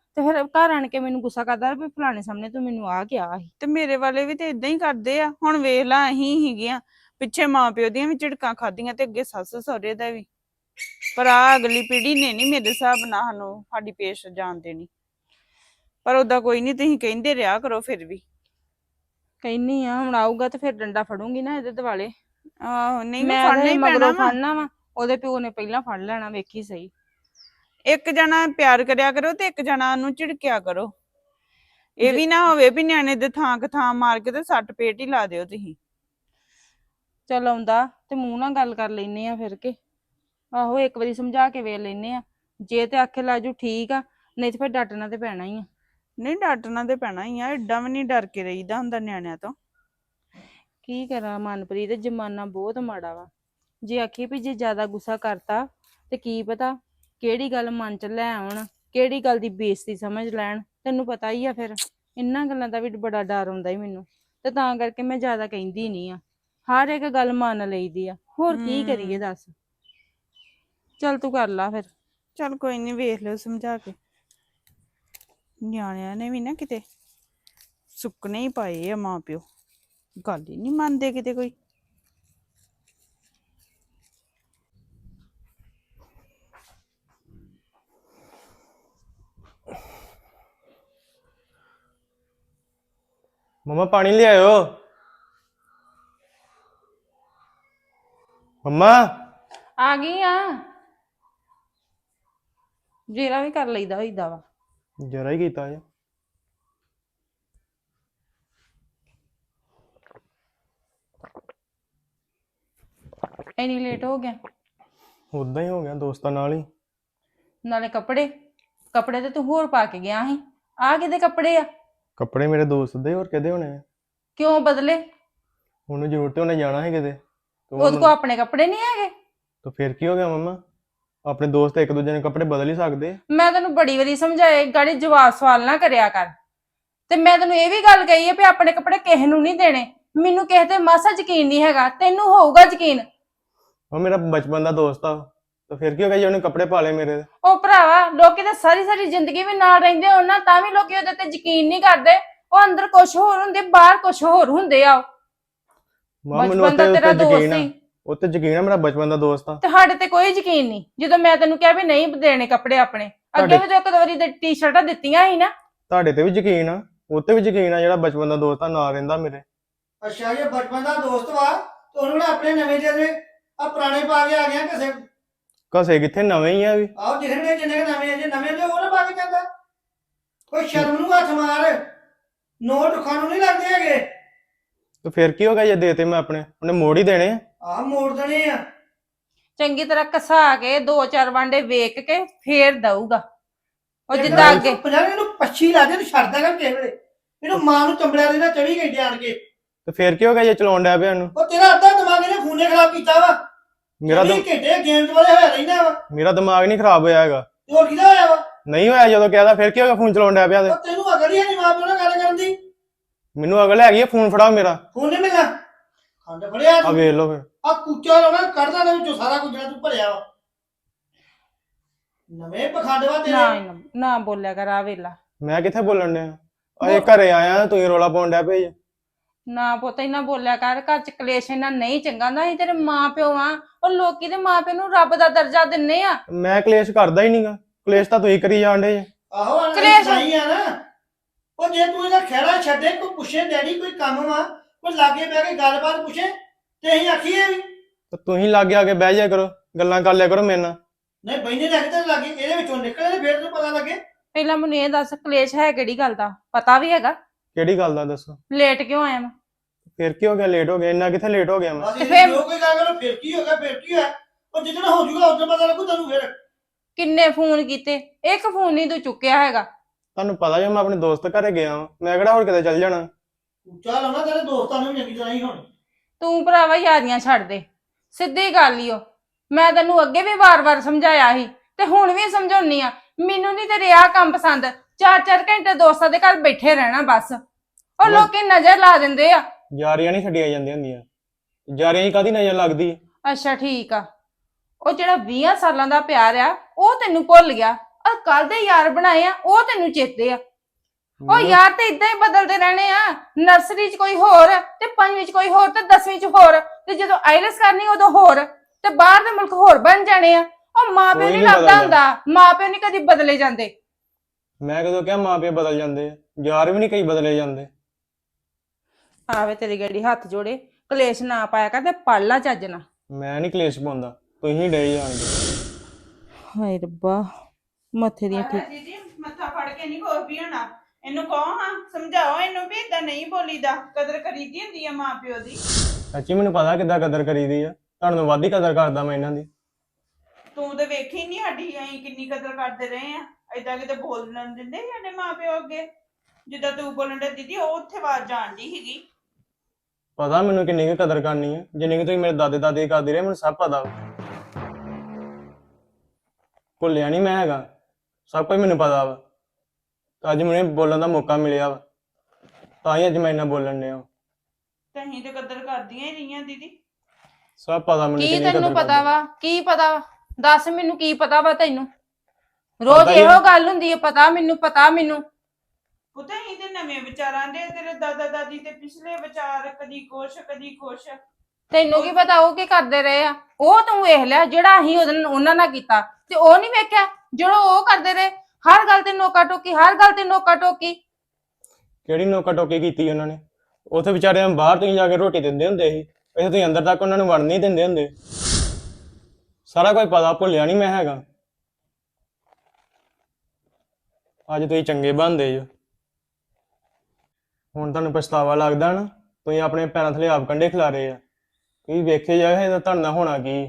Speaker 2: ਤੇ ਫਿਰ ਘਰ ਆਣ ਕੇ ਮੈਨੂੰ ਗੁੱਸਾ ਕਰਦਾ ਵੀ ਫਲਾਣੇ ਸਾਹਮਣੇ ਤੂੰ ਮੈਨੂੰ ਆ ਕਿਹਾ ਸੀ।
Speaker 3: ਤੇ ਮੇਰੇ ਵਾਲੇ ਵੀ ਤੇ ਇਦਾਂ ਹੀ ਕਰਦੇ ਆ। ਹੁਣ ਵੇਖ ਲਾ ਅਸੀਂ ਹੀਗੀਆਂ ਪਿੱਛੇ ਮਾਂ ਪਿਓ ਦੀਆਂ ਵੀ ਝਿੜਕਾਂ ਖਾਧੀਆਂ ਤੇ ਅੱਗੇ ਸੱਸ ਸਹੁਰੇ ਦਾ ਵੀ, ਪਰ ਆ ਅਗਲੀ ਪੀੜ੍ਹੀ ਨੇ ਨਹੀਂ ਮੇਰੇ ਹਿਸਾਬ ਨਾਲ ਸਾਨੂੰ ਸਾਡੀ ਪੇਸ਼ ਜਾਣ ਦੇਣੀ। ਪਰ ਓਦਾਂ ਕੋਈ ਨਹੀਂ, ਤੁਸੀਂ ਕਹਿੰਦੇ ਰਿਹਾ ਕਰੋ ਫਿਰ ਵੀ।
Speaker 2: ਕਹਿੰਨੀ ਆ ਹੁਣ ਆਊਗਾ ਤੇ ਫਿਰ ਡੰਡਾ ਫੜੂੰਗੀ ਨਾ ਇਹਦੇ ਦੁਆਲੇ।
Speaker 3: ਆਹੋ ਨਹੀਂ
Speaker 2: ਮੈਂ
Speaker 3: ਫੜਨਾ
Speaker 2: ਤੇ
Speaker 3: ਹੀ ਪੈਣਾ
Speaker 2: ਮਗਰੋਂ
Speaker 3: ਵਾ।
Speaker 2: ਫੜਨਾ ਵਾ, ਉਹਦੇ ਪਿਓ ਨੇ ਪਹਿਲਾਂ ਫੜ ਲੈਣਾ, ਵੇਖੀ ਸਹੀ।
Speaker 3: ਇੱਕ ਜਣਾ ਪਿਆਰ ਕਰਿਆ ਕਰੋ ਤੇ ਇੱਕ ਜਣਾ ਉਹਨੂੰ ਝਿੜਕਿਆ ਕਰੋ। ਇਹ ਵੀ ਨਾ ਹੋਵੇ ਵੀ ਨਿਆਣੇ ਦੇ ਥਾਂ ਕ ਥਾਂ ਮਾਰ ਕੇ ਤੇ ਸੱਟ ਪੇਟ ਹੀ ਲਾ ਦਿਓ ਤੁਸੀਂ।
Speaker 2: ਚੱਲ ਆਉਂਦਾ ਤੇ ਮੂੰਹ ਨਾਲ ਗੱਲ ਕਰ ਲੈਨੇ ਆ ਫਿਰ ਕੇ। ਆਹੋ ਇੱਕ ਵਾਰੀ ਸਮਝਾ ਕੇ ਵੇਖ ਲੈਨੇ ਆ, ਜੇ ਤੇ ਆਖੇ ਲਾਜੂ ਠੀਕ ਆ, ਨਹੀਂ ਤੇ ਫਿਰ ਡੱਟਣਾ ਤੇ ਪੈਣਾ ਹੀ ਆ।
Speaker 3: ਨਹੀਂ ਡਾਂਟਣਾ ਤੇ ਪੈਣਾ ਹੀ ਆ, ਏਡਾ ਵੀ ਨਹੀਂ ਡਰ ਕੇ ਰਹੀਦਾ ਹੁੰਦਾ ਨਿਆਣਿਆਂ ਤੋਂ।
Speaker 2: ਕੀ ਕਰਾਂ ਮਨਪ੍ਰੀਤ, ਜ਼ਮਾਨਾ ਬਹੁਤ ਮਾੜਾ ਵਾ। ਜੇ ਆਖੀ ਵੀ ਜੇ ਜ਼ਿਆਦਾ ਗੁੱਸਾ ਕਰਤਾ ਤੇ ਕੀ ਪਤਾ ਕਿਹੜੀ ਗੱਲ ਮਨ ਚ ਲੈ ਆਉਣ, ਕਿਹੜੀ ਗੱਲ ਦੀ ਬੇਇੱਜ਼ਤੀ ਸਮਝ ਲੈਣ। ਤੈਨੂੰ ਪਤਾ ਹੀ ਆ ਫਿਰ ਇਹਨਾਂ ਗੱਲਾਂ ਦਾ ਵੀ ਬੜਾ ਡਰ ਆਉਂਦਾ ਹੀ ਮੈਨੂੰ, ਤੇ ਤਾਂ ਕਰਕੇ ਮੈਂ ਜ਼ਿਆਦਾ ਕਹਿੰਦੀ ਨਹੀਂ ਆ। ਹਰ ਇੱਕ ਗੱਲ ਮੰਨ ਲਈਦੀ ਆ, ਹੋਰ ਕੀ ਕਰੀਏ ਦੱਸ। ਚੱਲ ਤੂੰ ਕਰ ਲਾ ਫਿਰ।
Speaker 3: ਚੱਲ ਕੋਈ ਨਹੀਂ, ਵੇਖ ਲਿਓ ਸਮਝਾ ਕੇ। ਨਿਆਣਿਆਂ ਨੇ ਵੀ ਨਾ ਕਿਤੇ ਸੁੱਕਣੇ ਹੀ ਪਾਏ ਆ ਮਾਂ ਪਿਓ, ਗੱਲ ਹੀ ਨਹੀਂ ਮੰਨਦੇ ਕਿਤੇ ਕੋਈ।
Speaker 4: मम्मा पानी ले आयो। मम्मा
Speaker 2: ਆ ਗਈ ਆ। ਜੇਰਾ ਵੀ ਕਰ ਲਈਦਾ ਹੋਈਦਾ ਵਾ।
Speaker 4: जरा ही कीता है।
Speaker 2: ਇੰਨੀ ਲੇਟ ਹੋ ਗਿਆ।
Speaker 4: उदा ही हो गया दोस्तां नाल ही।
Speaker 2: ਨਾਲੇ ਕੱਪੜੇ ਕੱਪੜੇ ਤੇ ਤੂੰ ਹੋਰ ਪਾ ਕੇ ਗਿਆ ਸੀ, ਆ ਕਿਹਦੇ ਕੱਪੜੇ ਆ?
Speaker 4: कपड़े मेरे दोस्त दे और कहदे होने हैं।
Speaker 2: ਕਿਉਂ ਬਦਲੇ?
Speaker 4: ਉਹਨੂੰ ਜ਼ਰੂਰਤ ਉਹਨੇ ਜਾਣਾ ਹੈ ਕਿਤੇ।
Speaker 2: ਉਹਦੇ ਕੋਲ ਆਪਣੇ ਕੱਪੜੇ ਨਹੀਂ ਹੈਗੇ?
Speaker 4: ਤਾਂ ਫਿਰ ਕੀ ਹੋ ਗਿਆ ਮੰਮਾ, ਆਪਣੇ ਦੋਸਤ ਇੱਕ ਦੂਜੇ ਨੇ ਕੱਪੜੇ ਬਦਲ ਹੀ ਸਕਦੇ।
Speaker 2: ਮੈਂ ਤੈਨੂੰ ਬੜੀ ਵਾਰੀ ਸਮਝਾਏ ਗਾੜੀ ਜਵਾਬ ਸਵਾਲ ਨਾ ਕਰਿਆ ਕਰ, ਤੇ ਮੈਂ ਤੈਨੂੰ ਇਹ ਵੀ ਗੱਲ ਕਹੀ ਹੈ ਵੀ ਆਪਣੇ ਕੱਪੜੇ ਕਿਸੇ ਨੂੰ ਨਹੀਂ ਦੇਣੇ। ਮੈਨੂੰ ਕਿਸੇ ਤੇ ਮਾਸਾ ਯਕੀਨ ਨਹੀਂ ਹੈਗਾ, ਤੈਨੂੰ ਹੋਊਗਾ ਯਕੀਨ।
Speaker 4: ਉਹ ਮੇਰਾ ਬਚਪਨ ਦਾ ਦੋਸਤ ਆ, ਤਾਂ ਫਿਰ ਕੀ ਹੋ ਗਿਆ ਜੇ ਉਹਨੇ ਕੱਪੜੇ ਪਾ ਲਏ ਮੇਰੇ।
Speaker 2: ਉਹ ਭਰਾਵਾ ਲੋਕੀ ਤਾਂ ਸਾਰੀ ਸਾਰੀ ਜ਼ਿੰਦਗੀ ਵੀ ਨਾਲ ਰਹਿੰਦੇ ਹੋਣ ਨਾ, ਤਾਂ ਵੀ ਲੋਕੀ ਉਹਦੇ ਤੇ ਯਕੀਨ ਨਹੀਂ ਕਰਦੇ। ਉਹ ਅੰਦਰ ਕੁਝ ਹੋਰ ਹੁੰਦੇ, ਬਾਹਰ ਕੁਝ ਹੋਰ ਹੁੰਦੇ ਆ।
Speaker 4: ਮਾਂ ਮੈਨੂੰ
Speaker 2: ਬਚਪਨ ਦਾ
Speaker 4: ਉੱਤੇ
Speaker 2: ਤੇਰਾ
Speaker 4: ਉੱਤੇ
Speaker 2: ਦੋਸਤ
Speaker 4: ਯਕੀਨ ਆ,
Speaker 2: ਸੀ
Speaker 4: ਉੱਤੇ ਯਕੀਨ ਆ, ਮੇਰਾ ਬਚਪਨ ਦਾ ਦੋਸਤ ਆ।
Speaker 2: ਤੇ ਸਾਡੇ ਤੇ ਕੋਈ ਯਕੀਨ ਨਹੀਂ। ਜਦੋਂ ਮੈਂ ਤੈਨੂੰ ਕਿਹਾ ਵੀ ਨਹੀਂ ਦੇਣੇ ਕੱਪੜੇ ਆਪਣੇ, ਅੱਗੇ ਵੀ ਤੂੰ ਇੱਕ ਦੋ ਵਾਰੀ ਤੇ ਟੀ-ਸ਼ਰਟਾਂ ਦਿੱਤੀਆਂ ਸੀ ਨਾ।
Speaker 4: ਤੁਹਾਡੇ ਤੇ ਵੀ ਯਕੀਨ ਆ, ਉੱਤੇ ਵੀ ਯਕੀਨ ਆ, ਜਿਹੜਾ ਬਚਪਨ ਦਾ ਦੋਸਤ ਆ ਨਾਲ ਰਹਿੰਦਾ ਮੇਰੇ।
Speaker 1: ਅੱਛਾ ਜੇ ਬਚਪਨ ਦਾ ਦੋਸਤ ਵਾ ਤੇ ਉਹਨੂੰ ਨਾ ਆਪਣੇ ਨਵੇਂ ਦੇ ਦੇ ਆ ਪੁਰਾਣੇ ਪਾ ਕੇ ਆ ਗਿਆ ਕਿਸੇ।
Speaker 4: ਘਸੇ ਕਿੱਥੇ, ਨਵੇਂ ਹੀ ਆ ਵੀ।
Speaker 1: ਆਹ ਦਿਖਣਗੇ ਜਿੰਨੇ ਕੁ ਨਵੇਂ ਆ, ਜੇ ਨਵੇਂ ਦੇ ਉਹ ਨਾ ਪਾ ਕੇ ਜਾਂਦਾ। ਕੋਈ ਸ਼ਰਮ ਨੂੰ ਹੱਥ ਮਾਰ, ਨੋਟ ਰੁੱਖਾਂ ਨੂੰ ਨਹੀਂ ਲੱਗਦੇ ਹੈਗੇ।
Speaker 4: ਤੇ ਫਿਰ ਕੀ ਹੋ ਗਿਆ ਜੇ ਦੇਤੇ ਮੈਂ ਆਪਣੇ, ਉਹਨੇ ਮੋੜ ਹੀ ਦੇਣੇ ਆ।
Speaker 1: ਆਹ ਮੋੜ ਦੇਣੇ ਆ।
Speaker 2: ਚੰਗੀ ਤਰ੍ਹਾਂ ਘਸਾ ਕੇ ਦੋ ਚਾਰ ਵਾਂਡੇ ਵੇਖ ਕੇ ਫੇਰ ਦਊਗਾ ਉਹ ਜਿੱਦਾਂ ਅੱਗੇ।
Speaker 1: ਪੰਜਾਹ ਇਹਨੂੰ ਪੱਛੀ ਲਾ ਦੇ, ਤੂੰ ਛੱਡਦਾ ਕਰ ਕਿਸੇ ਵੇਲੇ। ਇਹਨੂੰ ਮਾਂ ਨੂੰ ਚੰਬੜਿਆ ਰਹਿੰਦਾ ਚੌਵੀ ਘੰਟੇ ਆਣ ਕੇ।
Speaker 4: ਤੇ ਫਿਰ ਕੀ ਹੋ ਗਿਆ ਜੇ ਚਲਾਉਣ ਡਿਆ ਪਿਆ ਨੂੰ।
Speaker 1: ਉਹ ਤੇਰਾ ਅੱਧਾ ਦਿਮਾਗ ਇਹਨੇ ਫੋਨੇ ਖਰਾਬ ਕੀਤਾ ਵਾ।
Speaker 4: ਮੇਰਾ
Speaker 1: ਚੌਵੀ
Speaker 4: ਦਿਮ-
Speaker 1: ਘੰਟੇ ਗੇਮਸ ਵਾਲੇ ਹੋਇਆ ਰਹਿੰਦਾ ਵਾ।
Speaker 4: ਮੇਰਾ ਦਿਮਾਗ ਨਹੀਂ ਖਰਾਬ ਹੋਇਆ ਹੈਗਾ।
Speaker 1: ਤੇ ਹੋਰ ਕਿਹਦਾ ਹੋਇਆ ਵਾ?
Speaker 4: ਨਹੀਂ ਹੋਇਆ ਜਦੋਂ ਕਹਿਦਾ, ਫਿਰ ਕੀ ਹੋ ਗਿਆ ਫੋਨ ਚਲਾਉਣ ਡਿਆ ਪਿਆ ਤੇ।
Speaker 1: ਉਹ ਤੈਨੂੰ ਅਗਲ ਹੀ ਨਹੀਂ ਮਾਂ ਪਿਓ ਨਾਲ ਗੱਲ ਕਰਨ ਦੀ।
Speaker 4: ਮੈਨੂੰ ਅਗਲ ਹੈਗੀ ਆ, ਫੋਨ ਫੜਾਓ ਮੇਰਾ।
Speaker 1: ਫੋਨ ਨਹੀਂ ਮਿਲਣਾ। ਖੰਡ ਫੜਿਆ
Speaker 4: ਆ
Speaker 1: ਤੂੰ।
Speaker 4: ਵੇਖ ਲਓ ਫਿਰ।
Speaker 1: ਆ ਕੁੱਚਾ ਲਾਉਣਾ ਕੱਢਦਾ ਨਾ ਵਿੱਚੋਂ ਸਾਰਾ ਕੁਝ ਜਿਹੜਾ ਤੂੰ ਭਰਿਆ ਵਾ। ਨਵੇਂ ਪਖੰਡ ਵਾ ਤੇਰੇ।
Speaker 2: ਨਾ ਨਾ- ਨਾ ਬੋਲਿਆ ਕਰ ਆ ਵੇਲਾ।
Speaker 4: ਮੈਂ ਕਿੱਥੇ ਬੋਲਣ ਡਿਆ, ਅਜੇ ਘਰੇ ਆਇਆ ਤੂੰ ਹੀ ਰੋਲਾ ਪਾਉਣ ਡਿਆ ਪਿਆ ਜੀ।
Speaker 2: ਨਾ ਪੁੱਤ ਇਹਨਾਂ ਬੋਲਿਆ ਕਰ, ਘਰ ਚ ਕਲੇਸ਼ ਇਹਨਾਂ ਨਹੀਂ ਚੰਗਾ ਹੁੰਦਾ। ਅਸੀਂ ਤੇਰੇ ਮਾਂ ਪਿਓ ਆ, ਉਹ ਲੋਕੀ ਦੇ ਮਾਂ ਪਿਓ ਨੂੰ ਰੱਬ ਦਾ ਦਰਜਾ ਦਿੰਨੇ ਆ।
Speaker 4: ਮੈਂ ਕਲੇਸ਼ ਕਰਦਾ ਹੀ ਨਹੀਂਗਾ, ਕਲੇਸ਼ ਤਾਂ ਤੁਸੀਂ ਕਰੀ ਜਾਂਦੇ ਜੇ।
Speaker 1: ਆਹੋ
Speaker 2: ਕਲੇਸ਼।
Speaker 1: ਨਹੀਂ ਆ ਨਾ। ਉਹ ਜੇ ਤੂੰ ਇਹਦਾ ਖਹਿੜਾ ਛੱਡੇ, ਕੋਈ ਪੁੱਛੇ ਡੈਡੀ ਕੋਈ ਕੰਮ ਵਾ, ਕੋਈ ਲਾਗੇ ਬਹਿ ਕੇ ਗੱਲਬਾਤ ਪੁੱਛੇ ਤੇ ਅਸੀਂ ਆਖੀਏ ਵੀ
Speaker 4: ਤਾਂ ਤੁਸੀਂ ਲਾਗੇ ਆ ਕੇ ਬਹਿ ਜਾ ਕਰੋ, ਗੱਲਾਂ ਕਰ ਲਿਆ ਕਰੋ ਮੇਰੇ ਨਾਲ।
Speaker 1: ਨਹੀਂ ਬੈਨੇ ਲੱਗ ਤੇ ਲੱਗੇ ਇਹਦੇ ਵਿੱਚੋਂ ਨਿਕਲੇ ਫੇਰ ਤੈਨੂੰ ਪਤਾ ਲੱਗੇ।
Speaker 2: ਪਹਿਲਾਂ ਮੈਨੂੰ ਇਹ ਦੱਸ ਕਲੇਸ਼ ਹੈ ਕਿਹੜੀ ਗੱਲ ਦਾ? ਪਤਾ ਵੀ ਹੈਗਾ?
Speaker 4: ਕਿਹੜੀ ਗੱਲ ਦਾ ਦੱਸੋ।
Speaker 2: ਲੇਟ ਕਿਉਂ ਆਇਆ ਮੈਂ?
Speaker 4: ਫਿਰ ਕੀ ਹੋ ਗਿਆ, ਲੇਟ ਹੋ ਗਿਆ? ਇੰਨਾ ਕਿੱਥੇ ਲੇਟ ਹੋ ਗਿਆ ਮੈਂ।
Speaker 1: ਅਸੀਂ
Speaker 2: ਫੇਰ-
Speaker 1: ਜੋ ਕੋਈ ਗੱਲ ਕਰੋ ਫਿਰ ਕੀ ਹੋ ਗਿਆ, ਫਿਰ ਕੀ ਹੋਇਆ? ਉਹ ਜਿੱਦਣ ਹੋ ਜਾਊਗਾ ਉਦੋਂ ਪਤਾ ਲੱਗੂ ਤੈਨੂੰ। ਫਿਰ
Speaker 2: ਕਿੰਨੇ ਫੋਨ ਕੀਤੇ, ਇੱਕ ਫੋਨ ਨਹੀਂ ਤੂੰ ਚੁੱਕਿਆ ਹੈਗਾ।
Speaker 4: ਤੁਹਾਨੂੰ ਪਤਾ ਜੇ ਮੈਂ ਆਪਣੇ ਦੋਸਤ ਘਰੇ ਗਿਆ ਵਾਂ, ਮੈਂ ਕਿਹੜਾ ਹੋਰ ਕਿਤੇ ਚੱਲ ਜਾਣਾ।
Speaker 1: ਉੱਚਾ ਲਾਉਣਾ ਤੇਰੇ ਦੋਸਤਾਂ ਨੂੰ ਵੀ ਚੰਗੀ ਤਰ੍ਹਾਂ ਹੀ ਹੁਣ।
Speaker 2: ਤੂੰ ਭਰਾਵਾ ਯਾਰੀਆਂ ਛੱਡ ਦੇ, ਸਿੱਧੀ ਗੱਲ ਈ ਓ। ਮੈਂ ਤੈਨੂੰ ਅੱਗੇ ਵੀ ਵਾਰ-ਵਾਰ ਸਮਝਾਇਆ ਸੀ ਤੇ ਹੁਣ ਵੀ ਸਮਝਾਉਣੀ ਆ। ਮੈਨੂੰ ਨਹੀਂ ਤੇਰੇ ਆਹ ਕੰਮ ਪਸੰਦ। ਚਾਰ ਚਾਰ ਘੰਟੇ ਦੋਸਤਾਂ ਦੇ ਘਰ ਬੈਠੇ ਰਹਿਣਾ ਬਸ। ਉਹ
Speaker 4: ਮੈਂ-
Speaker 2: ਲੋਕੀ ਨਜ਼ਰ ਲਾ ਦਿੰਦੇ ਆ।
Speaker 4: ਯਾਰੀਆਂ ਨਹੀਂ ਛੱਡੀਆਂ ਜਾਂਦੀਆਂ ਹੁੰਦੀਆਂ, ਯਾਰੀਆਂ ਹੀ ਕਾਹਦੀ ਨਜ਼ਰ ਲੱਗਦੀ।
Speaker 2: ਅੱਛਾ ਠੀਕ ਆ, ਉਹ ਜਿਹੜਾ ਵੀਹ ਸਾਲਾਂ ਦਾ ਪਿਆਰ ਆ ਉਹ ਤੈਨੂੰ ਭੁੱਲ ਗਿਆ। ਆ ਕੱਲ ਦੇ ਯਾਰ ਬਣਾਏ ਆ ਉਹ ਤੈਨੂੰ ਚੇਤੇ ਆ। ਉਹ ਯਾਰ ਤੇ ਇਦਾਂ ਹੀ ਬਦਲਦੇ ਰਹਿਣੇ ਆ। ਨਰਸਰੀ 'ਚ ਕੋਈ ਹੋਰ ਤੇ ਪੰਜਵੀਂ 'ਚ ਕੋਈ ਹੋਰ ਤੇ ਦਸਵੀਂ 'ਚ ਹੋਰ ਤੇ ਜਦੋਂ ਆਈਲੈਟਸ ਕਰਨੀ ਉਦੋਂ ਹੋਰ ਤੇ ਬਾਹਰ ਦੇ ਮੁਲਕ ਹੋਰ ਬਣ ਜਾਣੇ ਆ। ਉਹ ਮਾਂ ਪਿਓ
Speaker 4: ਕੋਈ
Speaker 2: ਨਹੀਂ
Speaker 4: ਨੀ
Speaker 2: ਲੱਭਦਾ
Speaker 4: ਬਦਲਦਾ।
Speaker 2: ਹੁੰਦਾ, ਮਾਂ ਪਿਓ ਨਹੀਂ ਕਦੀ ਬਦਲੇ ਜਾਂਦੇ।
Speaker 4: ਮੈਂ ਕਦੋਂ ਕਿਹਾ ਮਾਂ ਪਿਓ ਬਦਲ ਜਾਂਦੇ ਆ, ਯਾਰ ਵੀ ਨਹੀਂ ਕਈ ਬਦਲੇ ਜਾਂਦੇ।
Speaker 2: ਆਵੇ ਤੇਰੀ ਗੱਡੀ ਹੱਥ ਜੋੜੇ, ਕਲੇਸ਼ ਨਾ ਪਾਇਆ ਕਰ ਤੇ ਪੜ ਲਾ ਚੱਜ ਨਾ।
Speaker 4: ਮੈਂ ਨਹੀਂ ਕਲੇਸ਼ ਪਾਉਂਦਾ, ਤੁਸੀਂ ਡੇ ਜਾਣਦੇ।
Speaker 2: ਹਾਏ ਰੱਬਾ ਮੱਥੇ ਦੀਆਂ ਠੀਕ
Speaker 3: ਦੀਦੀ ਮੱਥਾ ਫੜ ਕੇ ਨਹੀਂ ਕੋਈ ਵੀ ਹੋਣਾ। ਇਹਨੂੰ ਕਹੋ ਹਾਂ, ਸਮਝਾਓ ਇਹਨੂੰ ਵੀ ਏਦਾਂ ਨਹੀਂ ਬੋਲੀਦਾ, ਕਦਰ ਕਰੀਦੀ ਹੁੰਦੀ ਆ ਮਾਂ ਪਿਓ ਦੀ।
Speaker 4: ਸੱਚੀ ਮੈਨੂੰ ਪਤਾ ਕਿੱਦਾਂ ਕਦਰ ਕਰੀਦੀ ਆ, ਤੁਹਾਨੂੰ ਵੱਧ ਹੀ ਕਦਰ ਕਰਦਾ ਮੈਂ ਇਹਨਾਂ ਦੀ।
Speaker 3: ਤੂੰ ਤੇ ਵੇਖੀ ਨਹੀਂ ਸਾਡੀ ਅਸੀਂ ਕਿੰਨੀ ਕਦਰ ਕਰਦੇ ਰਹੇ ਆ। ਏਦਾਂ ਕਿਤੇ ਬੋਲਣ ਦਿੰਦੇ ਸੀ ਸਾਡੇ ਮਾਂ ਪਿਓ ਅੱਗੇ? ਜਿੱਦਾਂ ਤੂੰ ਬੋਲਣ ਦੇ ਦੀਦੀ ਉਹ ਉੱਥੇ ਆਵਾਜ਼ ਜਾਣਦੀ ਸੀਗੀ।
Speaker 4: ਪਤਾ ਮੈਨੂੰ ਕਿੰਨੀ ਕੁ ਕਦਰ ਕਰਨੀ ਆ, ਜਿੰਨੀ ਕੁ ਤੁਸੀਂ ਮੇਰੇ ਦਾਦੇ ਦਾਦੇ ਕਰਦੇ ਰਹੇ ਮੈਨੂੰ ਸਭ ਪਤਾ ਵਾ। ਭੁੱਲਿਆ ਨਹੀਂ ਮੈਂ ਹੈਗਾ, ਸਭ ਕੁਝ ਮੈਨੂੰ ਪਤਾ ਵਾ। ਅੱਜ ਮੈਨੂੰ ਬੋਲਣ ਦਾ ਮੌਕਾ ਮਿਲਿਆ ਵਾ, ਤਾਂ ਹੀ ਅੱਜ ਮੈਂ ਇੰਨਾ ਬੋਲਣ ਡਿਆ।
Speaker 3: ਤੇ ਅਸੀਂ ਤੇ ਕਦਰ ਕਰਦੀਆਂ ਹੀ ਰਹੀਆਂ ਦੀਦੀ।
Speaker 4: ਸਭ ਪਤਾ ਮੈਨੂੰ
Speaker 2: ਕੀ
Speaker 4: ਕਿੰਨੀ ਕਦਰ
Speaker 2: ਤੈਨੂੰ ਪਤਾ
Speaker 4: ਕਰਦੇ।
Speaker 2: ਵਾ? ਕੀ ਪਤਾ ਵਾ? ਦੱਸ ਮੈਨੂੰ ਕੀ ਪਤਾ ਵਾ ਤੈਨੂੰ? ਰੋਜ਼
Speaker 4: ਪਤਾ ਹੀ
Speaker 2: ਇਹੋ
Speaker 4: ਆ।
Speaker 2: ਗੱਲ ਹੁੰਦੀ ਹੈ, ਪਤਾ ਮੈਨੂੰ ਪਤਾ ਮੈਨੂੰ।
Speaker 3: ਪੁੱਤ ਅਸੀਂ ਤੇ ਨਵੇਂ ਵਿਚਾਰਾਂ ਦੇ, ਤੇਰੇ ਦਾਦਾ ਦਾਦੀ ਤੇ ਪਿਛਲੇ ਵਿਚਾਰ, ਕਦੀ ਕੁਛ ਕਦੀ ਕੁਛ।
Speaker 2: ਤੈਨੂੰ ਕੀ ਪਤਾ ਉਹ ਕੀ ਕਰਦੇ ਰਹੇ ਆ? ਉਹ ਤੂੰ ਵੇਖ ਲਿਆ ਜਿਹੜਾ ਅਸੀਂ ਉਹਦੇ ਉਹਨਾਂ ਨਾਲ ਕੀਤਾ, ਤੇ ਉਹ ਨਹੀਂ ਵੇਖਿਆ ਜਿਹੜਾ ਉਹ ਕਰਦੇ ਰਹੇ। ਹਰ ਗੱਲ ਤੇ ਨੋਕਾ ਟੋਕੀ, ਹਰ ਗੱਲ ਤੇ ਨੋਕਾ ਟੋਕੀ।
Speaker 4: ਕਿਹੜੀ ਨੋਕਾ ਟੋਕੀ ਕੀਤੀ ਉਹਨਾਂ ਨੇ? ਉੱਥੇ ਵਿਚਾਰਿਆਂ ਨੂੰ ਬਾਹਰ ਤੁਸੀਂ ਜਾ ਕੇ ਰੋਟੀ ਦਿੰਦੇ ਹੁੰਦੇ ਸੀ, ਇੱਥੇ ਤੁਸੀਂ ਅੰਦਰ ਤੱਕ ਉਹਨਾਂ ਨੂੰ ਵੜਨ ਨਹੀਂ ਦਿੰਦੇ ਹੁੰਦੇ। ਸਾਰਾ ਕੁਝ ਪਤਾ, ਭੁੱਲਿਆ ਨਹੀਂ ਮੈਂ ਹੈਗਾ। ਅੱਜ ਤੁਸੀਂ ਚੰਗੇ ਬਣਦੇ ਜੋ, ਹੁਣ ਤੁਹਾਨੂੰ ਪਛਤਾਵਾ ਲੱਗਦਾ ਨਾ? ਤੁਸੀਂ ਆਪਣੇ ਪੈਰਾਂ ਥੱਲੇ ਆਪ ਕੰਡੇ ਖਿਲਾਰੇ ਆ। ਤੁਸੀਂ ਵੇਖੇ ਜਾਏ ਇਹਦਾ ਤੁਹਾਡੇ ਨਾਲ ਹੋਣਾ ਕੀ।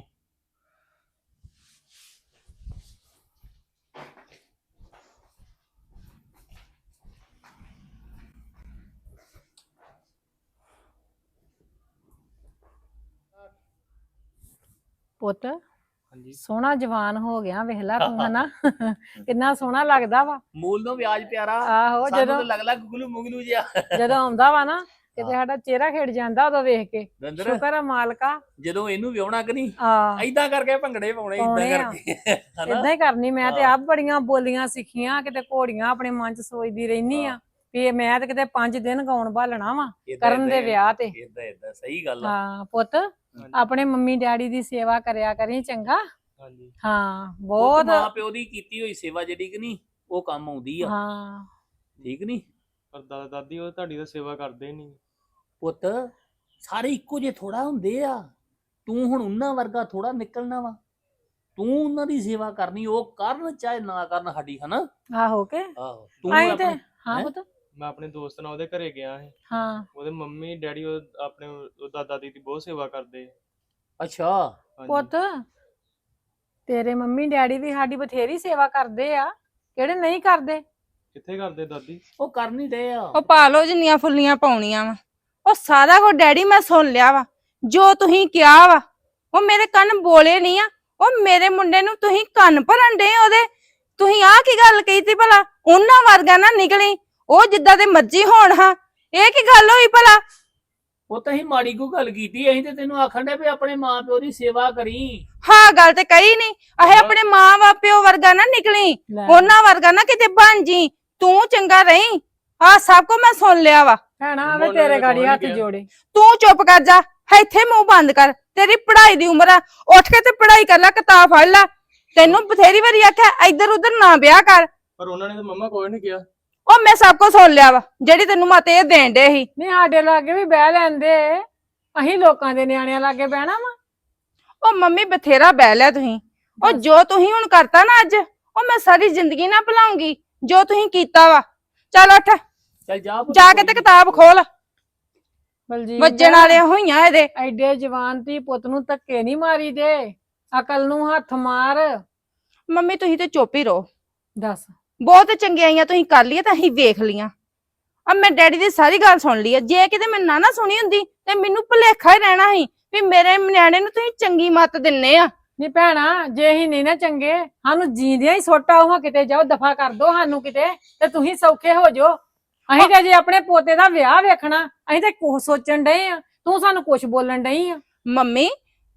Speaker 5: ਪੁੱਤ ਸੋਹਣਾ ਜਵਾਨ ਹੋ ਗਿਆ, ਵੇਖ ਲਾ ਤੂੰ ਹਨਾ ਕਿੰਨਾ ਸੋਹਣਾ ਲੱਗਦਾ ਵਾ।
Speaker 6: ਮੂਲ ਨੂੰ ਵਿਆਜ ਪਿਆਰਾ।
Speaker 5: ਆਹੋ
Speaker 6: ਸਾਨੂੰ
Speaker 5: ਜਦੋਂ
Speaker 6: ਤਾਂ ਲੱਗ ਲੱਗ ਗੁਗਲੂ ਮੁਗਲੂ ਜਿਹਾ।
Speaker 5: ਜਦੋਂ ਆਉਂਦਾ ਵਾ ਨਾ ਕਿਤੇ ਸਾਡਾ ਚਿਹਰਾ ਖਿੜ ਜਾਂਦਾ ਉਦੋਂ ਵੇਖ ਕੇ।
Speaker 6: ਦੰਦਰ
Speaker 5: ਸ਼ੁਕਰ ਆ ਮਾਲਕਾ।
Speaker 6: ਜਦੋਂ ਇਹਨੂੰ ਵਿਆਹਣਾ ਕਿ ਨਹੀਂ
Speaker 5: ਆ
Speaker 6: ਐਦਾਂ ਕਰਕੇ ਭੰਗੜੇ ਪਾਉਣੇ,
Speaker 5: ਪਾਉਣੇ
Speaker 6: ਇਦਾਂ
Speaker 5: ਆ।
Speaker 6: ਕਰਕੇ ਹਨਾ।
Speaker 5: ਏਦਾਂ ਹੀ ਕਰਨੀ। ਮੈਂ ਤੇ
Speaker 6: ਹਾਂ।
Speaker 5: ਆਪ ਬੜੀਆਂ ਬੋਲੀਆਂ ਸਿੱਖੀਆਂ, ਕਿਤੇ ਘੋੜੀਆਂ ਆਪਣੇ ਮਨ ਚ ਸੋਚਦੀ ਰਹਿਨੀ ਆ ਵੀ ਮੈਂ ਤੇ ਕਿਤੇ ਪੰਜ ਦਿਨ ਗਾਉਣ ਭਾਲਣਾ ਵਾ
Speaker 6: ਏਦਾਂ-
Speaker 5: ਕਰਨ ਦੇ
Speaker 6: ਏਦਾਂ-
Speaker 5: ਵਿਆਹ ਤੇ।
Speaker 6: ਏਦਾਂ ਏਦਾਂ ਸਹੀ ਗੱਲ ਆ।
Speaker 5: ਹਾਂ ਪੁੱਤ ਆਪਣੇ ਮੰਮੀ ਡੈਡੀ ਦੀ ਸੇਵਾ ਕਰਿਆ ਕਰੀ ਚੰਗਾ।
Speaker 6: ਹਾਂਜੀ
Speaker 5: ਹਾਂ
Speaker 6: ਬਹੁਤ
Speaker 5: ਬਹੁਤ।
Speaker 6: ਮਾਂ ਪਿਓ ਦੀ ਕੀਤੀ ਹੋਈ ਸੇਵਾ ਜਿਹੜੀ ਕਿ ਨਹੀਂ ਉਹ ਕੰਮ ਆਉਂਦੀ ਆ।
Speaker 5: ਹਾਂ
Speaker 6: ਠੀਕ ਨਹੀਂ?
Speaker 4: ਪਰ ਦਾਦਾ ਦਾਦੀ ਉਹ ਤੁਹਾਡੀ ਤਾਂ ਸੇਵਾ ਕਰਦੇ ਨਹੀਂ।
Speaker 6: ਪੁੱਤ ਸਾਰੇ ਇੱਕੋ ਜਿਹੇ ਥੋੜਾ ਹੁੰਦੇ ਆ। ਤੂੰ ਹੁਣ ਉਹਨਾਂ ਵਰਗਾ ਥੋੜਾ ਨਿਕਲਣਾ ਵਾ। ਤੂੰ ਉਹਨਾਂ ਦੀ ਸੇਵਾ ਕਰਨੀ, ਉਹ ਕਰਨ ਚਾਹੇ ਨਾ ਕਰਨ ਸਾਡੀ, ਹਨਾ।
Speaker 5: ਆਹੋ ਕੇ
Speaker 6: ਆਹੋ ਤੂੰ
Speaker 5: ਆਈ ਤੇ
Speaker 6: ਆਪਣੇ
Speaker 5: ਹਾਂ
Speaker 6: ਹੈਂ?
Speaker 5: ਪੁੱਤ
Speaker 4: ਮੈਂ ਆਪਣੇ ਦੋਸਤ ਨਾਲ ਉਹਦੇ ਘਰੇ ਗਿਆ ਸੀ,
Speaker 5: ਹਾਂ
Speaker 4: ਉਹਦੇ ਮੰਮੀ ਡੈਡੀ ਉਹ ਆਪਣੇ ਉਹ ਦਾਦਾ ਦਾਦੀ ਦੀ ਬਹੁਤ ਸੇਵਾ ਕਰਦੇ ਆ।
Speaker 6: ਅੱਛਾ
Speaker 4: ਹਾਂਜੀ।
Speaker 5: ਪੁੱਤ ਤੇਰੇ ਮੰਮੀ ਡੈਡੀ ਵੀ ਸਾਡੀ ਬਥੇਰੀ ਸੇਵਾ ਕਰਦੇ ਆ, ਕਿਹੜੇ ਨਹੀਂ ਕਰਦੇ?
Speaker 4: ਕਿੱਥੇ ਕਰਦੇ ਦਾਦੀ?
Speaker 6: ਉਹ ਕਰ ਨਹੀਂ ਰਹੇ ਆ।
Speaker 2: ਉਹ ਪਾ ਲੋ ਜਿੰਨੀਆਂ ਫੁੱਲੀਆਂ ਪਾਉਣੀਆਂ ਵਾ। ਉਹ ਸਾਰਾ ਕੁਝ ਡੈਡੀ ਮੈਂ ਸੁਣ ਲਿਆ ਵਾ ਜੋ ਤੁਸੀਂ ਕਿਹਾ ਵਾ। ਉਹ ਮੇਰੇ ਕੰਨ ਬੋਲੇ ਨਹੀਂ ਆ। ਉਹ ਮੇਰੇ ਮੁੰਡੇ ਨੂੰ ਤੁਸੀਂ ਕੰਨ ਭਰਨ ਡੇ ਉਹਦੇ। ਤੁਸੀਂ ਆਹ ਕੀ ਗੱਲ ਕਹੀ ਤੀ ਭਲਾ? ਉਹਨਾਂ ਵਰਗਾ ਨਾ ਨਿਕਲੀ, ਉਹ ਜਿੱਦਾਂ ਦੇ ਮਰਜ਼ੀ ਹੋਣ। ਹਾਂ ਇਹ ਕੀ ਗੱਲ ਹੋਈ ਭਲਾ?
Speaker 6: ਉਹ ਤਾਂ ਹੀ ਮਾੜੀ ਕੋ ਗੱਲ ਕੀਤੀ। ਅਸੀਂ ਤੇ ਤੈਨੂੰ ਆਖਣ ਦੇ ਵੀ ਆਪਣੇ ਮਾਂ ਪਿਓ ਦੀ ਸੇਵਾ ਕਰੀ।
Speaker 2: ਹਾਂ ਗੱਲ ਤੇ ਕਹੀ ਨਹੀਂ। ਅਹੇ ਆਪਣੇ ਮਾਂ ਬਾਪਿਓ ਵਰਗਾ ਨਾ ਨਿਕਲੀ,
Speaker 5: ਲੈ
Speaker 2: ਉਹਨਾਂ ਵਰਗਾ ਨਾ ਕਿਤੇ ਬਣ ਜੀ। ਤੂੰ ਚੰਗਾ ਰਹੀਂ। ਆਹ ਸਭ ਕੁਝ ਮੈਂ ਸੁਣ ਲਿਆ ਵਾ।
Speaker 5: ਭੈਣਾ
Speaker 4: ਮੰਮਾ
Speaker 5: ਆਵੇ
Speaker 4: ਨੇ
Speaker 5: ਤੇਰੇ
Speaker 4: ਤਾਂ
Speaker 5: ਗਾੜੀ
Speaker 4: ਕੌਣ
Speaker 5: ਹੱਥ
Speaker 4: ਕਿਹਾ?
Speaker 5: ਜੋੜੇ।
Speaker 2: ਤੂੰ ਚੁੱਪ ਕਰ ਜਾ, ਇੱਥੇ ਮੂੰਹ ਬੰਦ ਕਰ। ਤੇਰੀ ਪੜ੍ਹਾਈ ਦੀ ਉਮਰ ਆ, ਉੱਠ ਕੇ ਤੇ ਪੜ੍ਹਾਈ ਕਰ ਲੈ, ਕਿਤਾਬ ਫੜ ਲੈ। ਤੈਨੂੰ ਬਥੇਰੀ ਵਾਰੀ ਆਖਿਆ ਇੱਧਰ ਉੱਧਰ ਨਾ ਵਿਆਹ ਕਰ।
Speaker 4: ਪਰ ਉਹਨਾਂ ਨੇ ਤਾਂ ਮੰਮਾ ਕੋਈ ਨਹੀਂ ਕਿਹਾ।
Speaker 2: ਉਹ ਮੈਂ ਸਭ ਕੁਝ ਸੁਣ ਲਿਆ ਵਾ ਜਿਹੜੀ ਤੈਨੂੰ ਮਤ ਇਹ ਦੇਣ ਡੇ ਸੀ।
Speaker 5: ਨਹੀਂ ਸਾਡੇ ਲਾਗੇ ਵੀ ਬਹਿ ਲੈਂਦੇ, ਅਸੀਂ ਲੋਕਾਂ ਦੇ ਨਿਆਣਿਆਂ ਲਾਗੇ ਬਹਿਣਾ ਵਾ।
Speaker 2: ਉਹ ਮੰਮੀ ਬਥੇਰਾ ਬਹਿ ਲਿਆ ਤੁਸੀਂ। ਉਹ ਜੋ ਤੁਸੀਂ ਹੁਣ ਕਰਤਾ ਨਾ ਅੱਜ, ਉਹ ਮੈਂ ਸਾਰੀ ਜ਼ਿੰਦਗੀ ਨਾ ਭੁਲਾਉਂਗੀ ਜੋ ਤੁਸੀਂ ਕੀਤਾ ਵਾ। ਚੱਲ ਉੱਠ
Speaker 6: ਚੱਲ ਜਾ ਪੁੱਤ,
Speaker 2: ਜਾ ਕੇ
Speaker 6: ਕੋਈ
Speaker 2: ਤੇ
Speaker 6: ਨੀ।
Speaker 2: ਕਿਤਾਬ ਖੋਲ।
Speaker 5: ਬਲਜੀਤ
Speaker 2: ਵੱਜਣ ਵਾਲੀਆਂ ਹੋਈਆਂ ਇਹਦੇ।
Speaker 5: ਐਡੇ ਜਵਾਨ ਧੀ ਪੁੱਤ ਨੂੰ ਧੱਕੇ ਨਹੀਂ ਮਾਰੀ ਦੇ, ਅਕਲ ਨੂੰ ਹੱਥ ਮਾਰ।
Speaker 2: ਮੰਮੀ ਤੁਸੀਂ ਤੇ ਚੁੱਪ ਹੀ ਰਹੋ।
Speaker 5: ਦੱਸ
Speaker 2: ਬਹੁਤ ਚੰਗਿਆਈਆਂ ਤੁਸੀਂ ਕਰ ਲਈਆਂ ਤਾਂ ਅਸੀਂ ਵੇਖ ਲੀਆਂ। ਅਬ ਮੈਂ ਡੈਡੀ ਦੀ ਸਾਰੀ ਗੱਲ ਸੁਣ ਲਈ ਆ। ਜੇ ਕਿਤੇ ਮੈਂ ਨਾ ਨਾ ਸੁਣੀ ਹੁੰਦੀ ਤੇ ਮੈਨੂੰ ਭੁਲੇਖਾ ਹੀ ਰਹਿਣਾ ਸੀ ਵੀ ਮੇਰੇ ਨਿਆਣੇ ਨੂੰ ਤੁਸੀਂ ਚੰਗੀ ਮੱਤ ਦਿੰਨੇ ਆ।
Speaker 5: ਨੀ ਭੈਣਾ ਜੇ ਅਸੀਂ ਨਹੀਂ ਨਾ ਚੰਗੇ, ਸਾਨੂੰ ਜੀਂਦਿਆਂ ਹੀ ਸੋਟਾ ਉਹ ਕਿਤੇ ਜਾਓ, ਦਫਾ ਕਰ ਦੋ ਸਾਨੂੰ ਕਿਤੇ, ਤੇ ਤੁਸੀਂ ਸੌਖੇ ਹੋ ਜਾਓ। ਅਸੀਂ ਤੇ ਜੇ ਆਪਣੇ ਪੋਤੇ ਦਾ ਵਿਆਹ ਵੇਖਣਾ, ਅਸੀਂ ਤੇ ਕੁਛ ਸੋਚਣ ਡਏ ਆ, ਤੂੰ ਸਾਨੂੰ ਕੁਛ ਬੋਲਣ ਡਈ ਆ।
Speaker 2: ਮੰਮੀ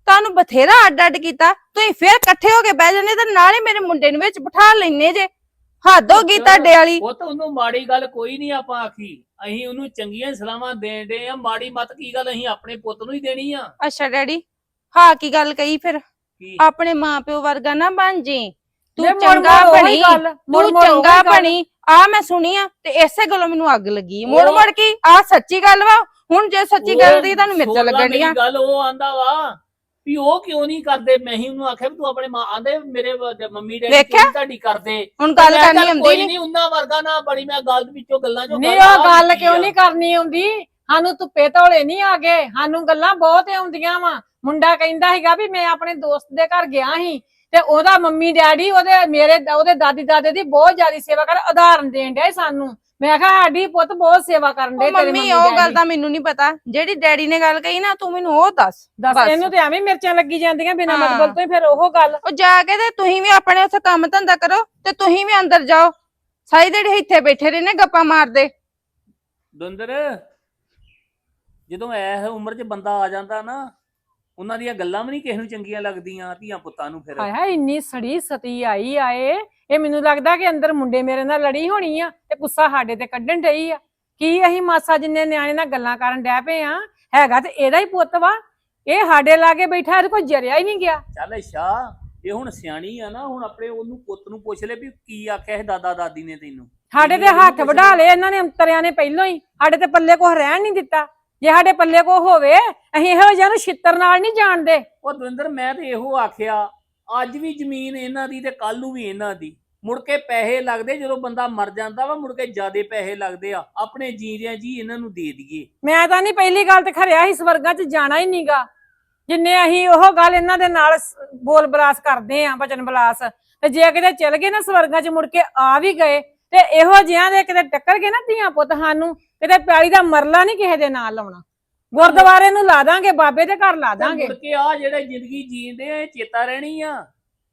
Speaker 2: ਤੁਹਾਨੂੰ ਬਥੇਰਾ ਅੱਡ ਅੱਡ ਕੀਤਾ, ਤੁਸੀਂ ਫੇਰ ਇਕੱਠੇ ਹੋ ਕੇ ਬਹਿ ਜਾਂਦੇ ਤੇ ਨਾਲੇ ਮੇਰੇ ਮੁੰਡੇ ਨੂੰ ਵਿੱਚ ਬਿਠਾ ਲੈਨੇ ਜੇ। ਹੱਦ ਹੋ ਗਈ ਤੁਹਾਡੇ ਵਾਲੀ।
Speaker 6: ਉਹ ਤਾਂ ਉਹਨੂੰ ਮਾੜੀ ਗੱਲ ਕੋਈ ਨਹੀਂ ਆਪਾਂ ਆਖੀ, ਅਸੀਂ ਉਹਨੂੰ ਚੰਗੀਆਂ ਸਲਾਹਾਂ ਦੇਣ ਦੇ ਆ, ਮਾੜੀ ਮਤ ਕੀ ਗੱਲ ਅਸੀਂ ਆਪਣੇ ਪੁੱਤ ਨੂੰ ਹੀ ਦੇਣੀ ਆ।
Speaker 2: ਅੱਛਾ ਡੈਡੀ, ਹਾਂ ਕੀ ਗੱਲ ਕਹੀ ਫਿਰ?
Speaker 6: ਕੀ
Speaker 2: ਆਪਣੇ ਮਾਪਿਓ ਵਰਗਾ ਨਾ ਬਣ ਜੀ, ਤੂੰ
Speaker 5: ਜੇ ਮੁੜ
Speaker 2: ਚੰਗਾ
Speaker 5: ਮੁੜ ਉਹੀ
Speaker 2: ਬਣੀ,
Speaker 5: ਗੱਲ, ਮੁੜ
Speaker 2: ਤੂੰ
Speaker 5: ਮੁੜ ਉਹੀ
Speaker 2: ਚੰਗਾ
Speaker 5: ਗੱਲ।
Speaker 2: ਬਣੀ ਆ ਮੈਂ ਸੁਣੀ ਆ ਤੇ ਇਸੇ ਗੱਲੋਂ ਮੈਨੂੰ ਅੱਗ ਲੱਗੀ। ਮੁੜ
Speaker 6: ਉਹ-
Speaker 2: ਮੁੜ ਕੀ ਆ ਸੱਚੀ ਗੱਲ ਵਾ? ਹੁਣ ਜੇ ਸੱਚੀ ਗੱਲ ਦੀ ਤੁਹਾਨੂੰ ਮਿਰਚਾਂ
Speaker 6: ਸੁਣ ਲਾ
Speaker 2: ਲੱਗਣੀਆਂ।
Speaker 6: ਮੇਰੀ ਗੱਲ ਉਹ ਆਂਦਾ ਵਾ ਵੀ ਉਹ ਕਿਉਂ ਨਹੀਂ ਕਰਦੇ, ਮੈਂ ਹੀ ਉਹਨੂੰ ਆਖਿਆ ਵੀ ਤੂੰ ਆਪਣੇ ਮਾਂ ਆਂਦੇ ਮੇਰੇ ਵ- ਮੰਮੀ ਡੈਡੀ
Speaker 2: ਵੇਖਿਆ?
Speaker 6: ਕਿਉਂ ਨੀ ਤੁਹਾਡੀ ਕਰਦੇ।
Speaker 2: ਹੁਣ ਗੱਲ
Speaker 6: ਮੈਂ
Speaker 2: ਕਰਨੀ
Speaker 6: ਚੱਲ
Speaker 2: ਆਉਂਦੀ
Speaker 6: ਕੋਈ
Speaker 2: ਨਹੀਂ।
Speaker 6: ਨਹੀਂ ਉਹਨਾਂ ਵਰਗਾ ਨਾ ਬੜੀ, ਮੈਂ ਗੱਲ ਵਿੱਚੋਂ ਗੱਲਾਂ ਚੋਂ
Speaker 5: ਨਹੀਂ
Speaker 6: ਗੱਲ
Speaker 5: ਉਹ
Speaker 6: ਆ
Speaker 5: ਗੱਲ
Speaker 6: ਕੀਤੀ
Speaker 5: ਕਿਉਂ
Speaker 6: ਆ।
Speaker 5: ਨਹੀਂ ਕਰਨੀ ਆਉਂਦੀ? ਸਾਨੂੰ ਧੁੱਪੇ ਧੌਲੇ ਨਹੀਂ ਆ ਗਏ, ਸਾਨੂੰ ਗੱਲਾਂ ਬਹੁਤ ਆਉਂਦੀਆਂ ਵਾ। ਮੁੰਡਾ ਕਹਿੰਦਾ ਸੀਗਾ ਵੀ ਮੈਂ ਆਪਣੇ ਦੋਸਤ ਦੇ ਘਰ ਗਿਆ ਸੀ ਤੇ ਉਹਦਾ ਮੰਮੀ ਡੈਡੀ ਉਹਦੇ ਮੇਰੇ ਉਹਦੇ ਦਾਦੀ ਦਾਦੇ ਦੀ ਬਹੁਤ ਜ਼ਿਆਦਾ ਸੇਵਾ ਕਰ, ਉਦਾਹਰਨ ਦੇਣ ਡਿਆ ਸੀ ਸਾਨੂੰ। ਮੈਂ ਕਿਹਾ ਸਾਡੀ ਪੁੱਤ ਬਹੁਤ ਸੇਵਾ ਕਰਨ ਦੇ
Speaker 2: ਉਹ
Speaker 5: ਤੇਰੇ
Speaker 2: ਮੰਮੀ
Speaker 5: ਮੰਮੀ
Speaker 2: ਉਹ ਗੱਲ
Speaker 5: ਡੈਡੀ।
Speaker 2: ਤਾਂ ਮੈਨੂੰ ਨਹੀਂ ਪਤਾ, ਜਿਹੜੀ ਡੈਡੀ ਨੇ ਗੱਲ ਕਹੀ ਨਾ ਤੂੰ ਮੈਨੂੰ ਉਹ ਦੱਸ।
Speaker 5: ਦੱਸ
Speaker 2: ਬਸ।
Speaker 5: ਇਹਨੂੰ ਤੇ ਐਵੇਂ ਮਿਰਚਾਂ ਲੱਗੀ ਜਾਂਦੀਆਂ ਬਿਨਾਂ
Speaker 2: ਹਾਂ।
Speaker 5: ਮਤਲਬ ਤੋਂ ਹੀ, ਫਿਰ ਉਹ ਗੱਲ।
Speaker 2: ਉਹ ਜਾ ਕੇ ਤੇ ਤੁਸੀਂ ਵੀ ਆਪਣੇ ਉੱਥੇ ਕੰਮ ਧੰਦਾ ਕਰੋ ਤੇ ਤੁਸੀਂ ਵੀ ਅੰਦਰ ਜਾਓ। ਸਾਰੀ ਦਿਹਾੜੀ ਇੱਥੇ ਬੈਠੇ ਰਹਿੰਦੇ ਗੱਪਾਂ ਮਾਰਦੇ।
Speaker 6: ਦੁੰਦਰ, ਜਦੋਂ ਐਸ ਉਮਰ 'ਚ ਬੰਦਾ ਆ ਜਾਂਦਾ ਨਾ, ਉਹਨਾਂ ਦੀਆਂ ਗੱਲਾਂ ਵੀ ਨਹੀਂ ਕਿਸੇ ਨੂੰ ਚੰਗੀਆਂ ਲੱਗਦੀਆਂ ਧੀਆਂ ਪੁੱਤਾਂ ਨੂੰ। ਫਿਰ
Speaker 5: ਹਾਏ ਹਾਏ ਇੰਨੀ ਸੜੀ ਸਤੀ ਆਈ ਆਏ, ਇਹ ਮੈਨੂੰ ਲੱਗਦਾ ਕਿ ਅੰਦਰ ਮੁੰਡੇ ਮੇਰੇ ਨਾਲ ਲੜੀ ਹੋਣੀ ਆ ਤੇ ਗੁੱਸਾ ਸਾਡੇ ਤੇ ਕੱਢਣ ਡਈ ਆ। ਕੀ ਅਸੀਂ ਮਾਸਾ ਜਿੰਨੇ ਨਿਆਣੇ ਨਾਲ ਗੱਲਾਂ ਕਰਨ ਡੈ ਪਏ ਆ? ਹੈਗਾ ਤੇ ਇਹਦਾ ਹੀ ਪੁੱਤ ਵਾ, ਇਹ ਸਾਡੇ ਲਾਗੇ ਬੈਠਾ, ਇਹਦੇ ਕੋਲ ਜਰਿਆ ਹੀ ਨਹੀਂ ਗਿਆ।
Speaker 6: ਚੱਲ ਅੱਛਾ, ਇਹ ਹੁਣ ਸਿਆਣੀ ਆ ਨਾ, ਹੁਣ ਆਪਣੇ ਉਹਨੂੰ ਪੁੱਤ ਨੂੰ ਪੁੱਛ ਲੈ ਵੀ ਕੀ ਆਖਿਆ ਇਹ ਦਾਦਾ ਦਾਦੀ ਨੇ ਤੈਨੂੰ।
Speaker 5: ਸਾਡੇ ਤੇ ਹੱਥ ਵਢਾ ਲਏ ਇਹਨਾਂ ਨੇ ਅੰਤਰਿਆਂ ਨੇ ਪਹਿਲਾਂ ਹੀ, ਸਾਡੇ ਤੇ ਪੱਲੇ ਕੁਛ ਰਹਿਣ ਨਹੀਂ ਦਿੱਤਾ। ਜੇ ਸਾਡੇ ਪੱਲੇ ਕੋ ਹੋਵੇ ਅਸੀਂ ਇਹੋ ਜਿਹਾ ਨੂੰ ਛਿੱਤਰ ਨਾਲ ਨਹੀਂ ਜਾਣਦੇ।
Speaker 6: ਉਹ ਦਵਿੰਦਰ, ਮੈਂ ਤੇ ਇਹੋ ਆਖਿਆ, ਅੱਜ ਵੀ ਜ਼ਮੀਨ ਇਹਨਾਂ ਦੀ ਤੇ ਕੱਲ ਨੂੰ ਵੀ ਇਹਨਾਂ ਦੀ। ਮੁੜ ਕੇ ਪੈਸੇ ਲੱਗਦੇ ਜਦੋਂ ਬੰਦਾ ਮਰ ਜਾਂਦਾ ਵਾ, ਮੁੜ ਕੇ ਜ਼ਿਆਦੇ ਪੈਸੇ ਲੱਗਦੇ ਆ। ਆਪਣੇ ਜੀਂਦਿਆਂ ਜੀ ਇਹਨਾਂ ਨੂੰ ਦੇ ਦਈਏ।
Speaker 5: ਮੈਂ ਤਾਂ ਨਹੀਂ ਪਹਿਲੀ ਗੱਲ ਤੇ ਖਰਿਆ ਸੀ ਸਵਰਗਾਂ 'ਚ ਜਾਣਾ ਹੀ ਨਹੀਂਗਾ, ਜਿੰਨੇ ਅਸੀਂ ਉਹ ਗੱਲ ਇਹਨਾਂ ਦੇ ਨਾਲ ਸ- ਬੋਲ ਬਲਾਸ ਕਰਦੇ ਆ, ਬਚਨ ਬਲਾਸ। ਤੇ ਜੇ ਕਿਤੇ ਚਲ ਗਏ ਨਾ ਸਵਰਗਾਂ 'ਚ, ਮੁੜ ਕੇ ਆ ਵੀ ਗਏ ਤੇ ਇਹੋ ਜਿਹਾਂ ਦੇ ਕਿਤੇ ਟੱਕਰ ਗਏ ਨਾ ਧੀਆਂ ਪੁੱਤ, ਸਾਨੂੰ ਕਿਤੇ ਪਿਆਲੀ ਦਾ ਮਰਲਾ ਨਹੀਂ ਕਿਸੇ ਦੇ ਨਾਲ ਲਾਉਣਾ। ਗੁਰਦੁਆਰੇ ਨੂੰ ਲਾ ਦਾਂਗੇ, ਬਾਬੇ ਦੇ ਘਰ ਲਾ
Speaker 6: ਤੇ
Speaker 5: ਦਾਂਗੇ।
Speaker 6: ਮੁੜ ਕੇ ਆ ਜਿਹੜੇ ਜ਼ਿੰਦਗੀ ਜੀਂਦੇ ਆ, ਇਹ ਚੇਤਾ ਰਹਿਣੀ ਆ।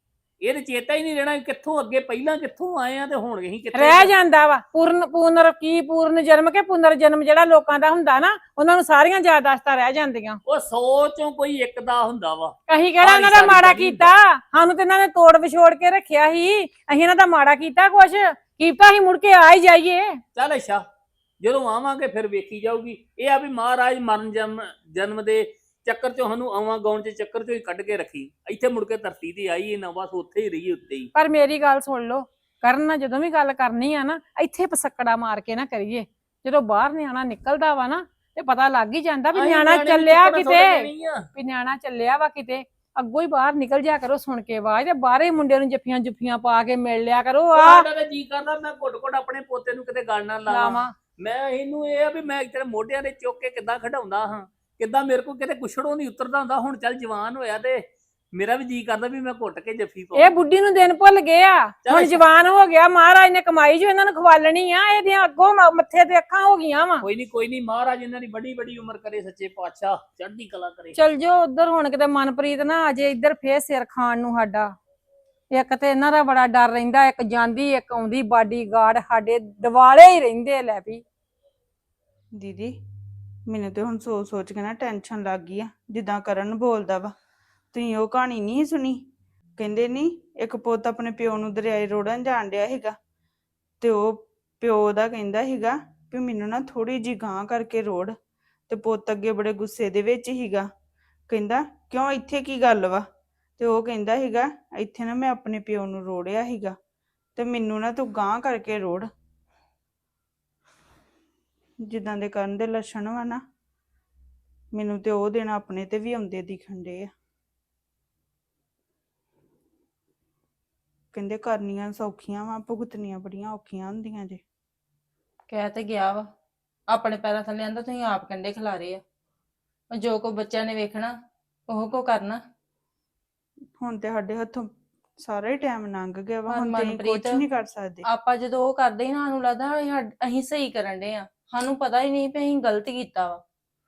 Speaker 6: ਇਹ ਤੇ ਚੇਤਾ ਹੀ ਨਹੀਂ ਰਹਿਣਾ ਕਿੱਥੋਂ ਅੱਗੇ ਪਹਿਲਾਂ ਕਿੱਥੋਂ ਆਏ ਆ ਤੇ ਹੁਣ ਅਸੀਂ ਕਿੱਥੇ
Speaker 5: ਰਹਿ ਜਾਂਦਾ ਵਾ। ਪੂਰਨ ਪੂਨਰ ਕੀ ਪੂਰਨ ਜਨਮ ਕੇ ਪੁਨਰ ਜਨਮ ਜਿਹੜਾ ਲੋਕਾਂ ਦਾ ਹੁੰਦਾ ਨਾ, ਉਹਨਾਂ ਨੂੰ ਸਾਰੀਆਂ ਯਾਦਾਸ਼ਤਾਂ ਰਹਿ ਜਾਂਦੀਆਂ।
Speaker 6: ਉਹ ਸੌ ਚੋਂ ਕੋਈ ਇੱਕ ਦਾ ਹੁੰਦਾ ਵਾ।
Speaker 5: ਅਸੀਂ ਕਿਹੜਾ ਇਹਨਾਂ ਦਾ
Speaker 6: ਸਾਰੀ
Speaker 5: ਮਾੜਾ
Speaker 6: ਕਦੀ
Speaker 5: ਕੀਤਾ? ਸਾਨੂੰ ਤੇ ਇਹਨਾਂ ਨੇ ਤੋੜ ਵਿਛੋੜ ਕੇ ਰੱਖਿਆ ਸੀ, ਅਸੀਂ ਇਹਨਾਂ ਦਾ ਮਾੜਾ ਕੀਤਾ ਕੁਛ? ਕੀਤਾ ਅਸੀਂ ਮੁੜ ਕੇ ਆ ਹੀ ਜਾਈਏ।
Speaker 6: ਚੱਲ ਅੱਛਾ, ਜਦੋਂ ਆਵਾਂਗੇ ਫਿਰ ਵੇਖੀ ਜਾਊਗੀ। ਇਹ ਆ ਵੀ ਮਹਾਰਾਜ ਮਰਨ ਜਨਮ ਜਨਮ ਦੇ ਚੱਕਰ ਚੋਂ ਸਾਨੂੰ ਆਵਾਂ ਗਾਉਣ ਚ ਚੱਕਰ ਚੋਂ ਹੀ ਕੱਢ ਕੇ ਰੱਖੀ। ਇੱਥੇ ਮੁੜ ਕੇ ਧਰਤੀ ਤੇ ਆਈਏ ਨਾ, ਬਸ ਉੱਥੇ ਹੀ ਰਹੀਏ, ਉੱਤੇ ਹੀ।
Speaker 5: ਪਰ ਮੇਰੀ ਗੱਲ ਸੁਣ ਲਓ, ਕਰਨ ਜਦੋਂ ਵੀ ਗੱਲ ਕਰਨੀ ਆ ਨਾ, ਇੱਥੇ ਪਸਕੜਾ ਮਾਰ ਕੇ ਨਾ ਕਰੀਏ। ਜਦੋਂ ਬਾਹਰ ਨਿਆਣਾ ਨਿਕਲਦਾ ਵਾ ਨਾ ਤੇ ਪਤਾ ਲੱਗ ਹੀ ਜਾਂਦਾ ਵੀ
Speaker 6: ਅਸੀਂ
Speaker 5: ਨਿਆਣਾ
Speaker 6: ਨਿਆਣੇ ਨੂੰ
Speaker 5: ਚੱਲਿਆ
Speaker 6: ਚੁੱਕਣਾ
Speaker 5: ਕਿਤੇ,
Speaker 6: ਸੌਦਾ ਨਹੀਂ ਆ।
Speaker 5: ਵੀ ਨਿਆਣਾ ਚੱਲਿਆ ਵਾ ਕਿਤੇ। ਅੱਗੋਂ ਹੀ ਬਾਹਰ ਨਿਕਲ ਜਾ ਕਰੋ ਸੁਣ ਕੇ ਆਵਾਜ਼, ਤੇ ਬਾਹਰੇ ਮੁੰਡੇ ਨੂੰ ਜੱਫੀਆਂ ਜੁੱਫੀਆਂ ਪਾ ਕੇ ਮਿਲ ਲਿਆ ਕਰੋ। ਆ
Speaker 6: ਸਾਡਾ ਤਾਂ ਜੀ ਕਰਦਾ ਮੈਂ ਘੁੱਟ ਘੁੱਟ ਆਪਣੇ ਪੋਤੇ ਨੂੰ ਕਿਤੇ ਗੱਲ ਨਾ ਲਾਵਾਂ।
Speaker 5: ਲਾਵਾਂ
Speaker 6: ਮੈਂ ਇਹਨੂੰ ਇਹ ਆ ਵੀ ਮੈਂ ਤੇਰੇ ਮੋਢਿਆਂ ਦੇ ਚੁੱਕ ਕੇ ਕਿੱਦਾਂ ਖਡਾਉਂਦਾ ਹਾਂ, ਕਿੱਦਾਂ ਮੇਰੇ ਕੋਲ ਕਿਤੇ ਕੁਛੜੋਂ ਨਹੀਂ ਉਤਰਦਾ ਹੁੰਦਾ। ਹੁਣ ਚੱਲ ਜਵਾਨ ਹੋਇਆ ਤੇ ਮੇਰਾ ਵੀ ਜੀ ਕਰਦਾ ਵੀ ਮੈਂ ਘੁੱਟ ਕੇ ਜੱਫੀ ਪਾਵਾਂ।
Speaker 5: ਇਹ ਬੁੱਢੀ ਨੂੰ ਦਿਨ ਭੁੱਲ ਗਏ ਆ, ਹੁਣ ਜਵਾਨ ਹੋ ਗਿਆ। ਮਹਾਰਾਜ ਨੇ ਕਮਾਈ ਜੋ ਇਹਨਾਂ ਨੂੰ ਖਵਾਲਣੀ ਆ, ਇਹਦੀਆਂ ਅੱਗੋਂ ਮ- ਮੱਥੇ ਤੇ ਅੱਖਾਂ ਹੋ ਗਈਆਂ ਵਾ।
Speaker 6: ਕੋਈ ਨਹੀਂ ਕੋਈ ਨਹੀਂ, ਮਹਾਰਾਜ ਇਹਨਾਂ ਦੀ ਬੜੀ ਬੜੀ ਉਮਰ ਕਰੇ, ਸੱਚੇ ਪਾਤਸ਼ਾਹ ਚੜ੍ਹਦੀ ਕਲਾ ਕਰੇ।
Speaker 5: ਚਲ ਜੋ ਉਧਰ, ਹੁਣ ਕਿਤੇ ਮਨਪ੍ਰੀਤ ਨਾ ਅਜੇ ਇੱਧਰ ਫੇਰ ਸਿਰ ਖਾਣ ਨੂੰ ਸਾਡਾ। ਇੱਕ ਤੇ ਇਹਨਾਂ ਦਾ ਬੜਾ ਡਰ ਰਹਿੰਦਾ, ਇੱਕ ਜਾਂਦੀ ਇੱਕ ਆਉਂਦੀ ਬਾਡੀਗਾਰਡ, ਸਾਡੇ ਦਿਵਾਲੇ ਹੀ ਰਹਿੰਦੇ। ਲੈ ਵੀ
Speaker 3: ਦੀਦੀ, ਮੈਨੂੰ ਤੇ ਹੁਣ ਸੋਚ ਸੋਚ ਕੇ ਨਾ ਟੈਨਸ਼ਨ ਲੱਗ ਗਈ ਆ। ਜਿੱਦਾਂ ਕਰਨ ਬੋਲਦਾ ਵਾ, ਤੁਸੀਂ ਉਹ ਕਹਾਣੀ ਨਹੀਂ ਸੁਣੀ? ਕਹਿੰਦੇ ਨਹੀਂ ਇੱਕ ਪੁੱਤ ਆਪਣੇ ਪਿਓ ਨੂੰ ਦਰਿਆਏ ਰੋੜਨ ਜਾਣ ਡਿਆ ਸੀਗਾ, ਤੇ ਉਹ ਪਿਓ ਦਾ ਕਹਿੰਦਾ ਸੀਗਾ ਵੀ ਮੈਨੂੰ ਨਾ ਥੋੜੀ ਜਿਹੀ ਗਾਂਹ ਕਰਕੇ ਰੋੜ। ਤੇ ਪੁੱਤ ਅੱਗੇ ਬੜੇ ਗੁੱਸੇ ਦੇ ਵਿੱਚ ਸੀਗਾ, ਕਹਿੰਦਾ ਕਿਉਂ, ਇੱਥੇ ਕੀ ਗੱਲ ਵਾ? ਤੇ ਉਹ ਕਹਿੰਦਾ ਸੀਗਾ ਇੱਥੇ ਨਾ ਮੈਂ ਆਪਣੇ ਪਿਓ ਨੂੰ ਰੋੜਿਆ ਸੀਗਾ, ਤੇ ਮੈਨੂੰ ਨਾ ਤੂੰ ਗਾਂਹ ਕਰਕੇ ਰੋੜ। ਜਿੱਦਾਂ ਦੇ ਕਰਨ ਦੇ ਲੱਛਣ ਵਾ ਨਾ, ਮੈਨੂੰ ਤੇ ਉਹ ਦਿਨ ਆਪਣੇ ਤੇ ਵੀ ਆਉਂਦੇ ਦਿਖਣ ਡੇ ਆ। ਕਹਿੰਦੇ ਕਰਨੀਆਂ ਸੌਖੀਆਂ ਵਾ, ਭੁਗਤਣੀਆਂ ਬੜੀਆਂ ਔਖੀਆਂ ਹੁੰਦੀਆਂ ਜੇ।
Speaker 2: ਕਹਿ ਤੇ ਗਿਆ ਵਾ, ਆਪਣੇ ਪੈਰਾਂ ਥੱਲੇ ਆਂਦਾ ਤੁਸੀਂ ਆਪ ਕੰਡੇ ਖਿਲਾਰੇ ਆ। ਜੋ ਕੋ ਬੱਚਿਆਂ ਨੇ ਵੇਖਣਾ ਉਹ ਕੋ ਕਰਨਾ।
Speaker 3: ਹੁਣ ਤੇ ਸਾਡੇ ਹੱਥੋਂ ਸਾਰਾ ਹੀ ਟਾਈਮ ਲੰਘ ਗਿਆ ਵਾ,
Speaker 2: ਪਰ
Speaker 3: ਹੁਣ ਤੇ ਕੁਝ
Speaker 2: ਮਨਪ੍ਰੀਤ,
Speaker 3: ਨਹੀਂ ਕਰ ਸਕਦੇ।
Speaker 2: ਆਪਾਂ ਜਦੋਂ ਉਹ ਕਰਦੇ ਹੀ ਨਾ, ਸਾਨੂੰ ਲੱਗਦਾ ਅਸੀਂ ਸਾਡ- ਅਸੀਂ ਸਹੀ ਕਰਨ ਦੇ ਆ, ਸਾਨੂੰ ਪਤਾ ਹੀ ਨਹੀਂ ਵੀ ਅਸੀਂ ਗਲਤ ਕੀਤਾ ਵਾ।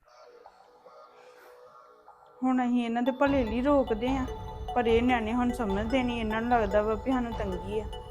Speaker 3: ਹੁਣ ਅਸੀਂ ਇਹਨਾਂ ਦੇ ਭਲੇ ਲਈ ਰੋਕਦੇ ਆ, ਪਰ ਇਹ ਨਿਆਣੇ ਹੁਣ ਸਮਝਦੇ ਨਹੀਂ। ਇਹਨਾਂ ਨੂੰ ਲੱਗਦਾ ਵਾ ਵੀ ਸਾਨੂੰ ਤੰਗੀ ਆ।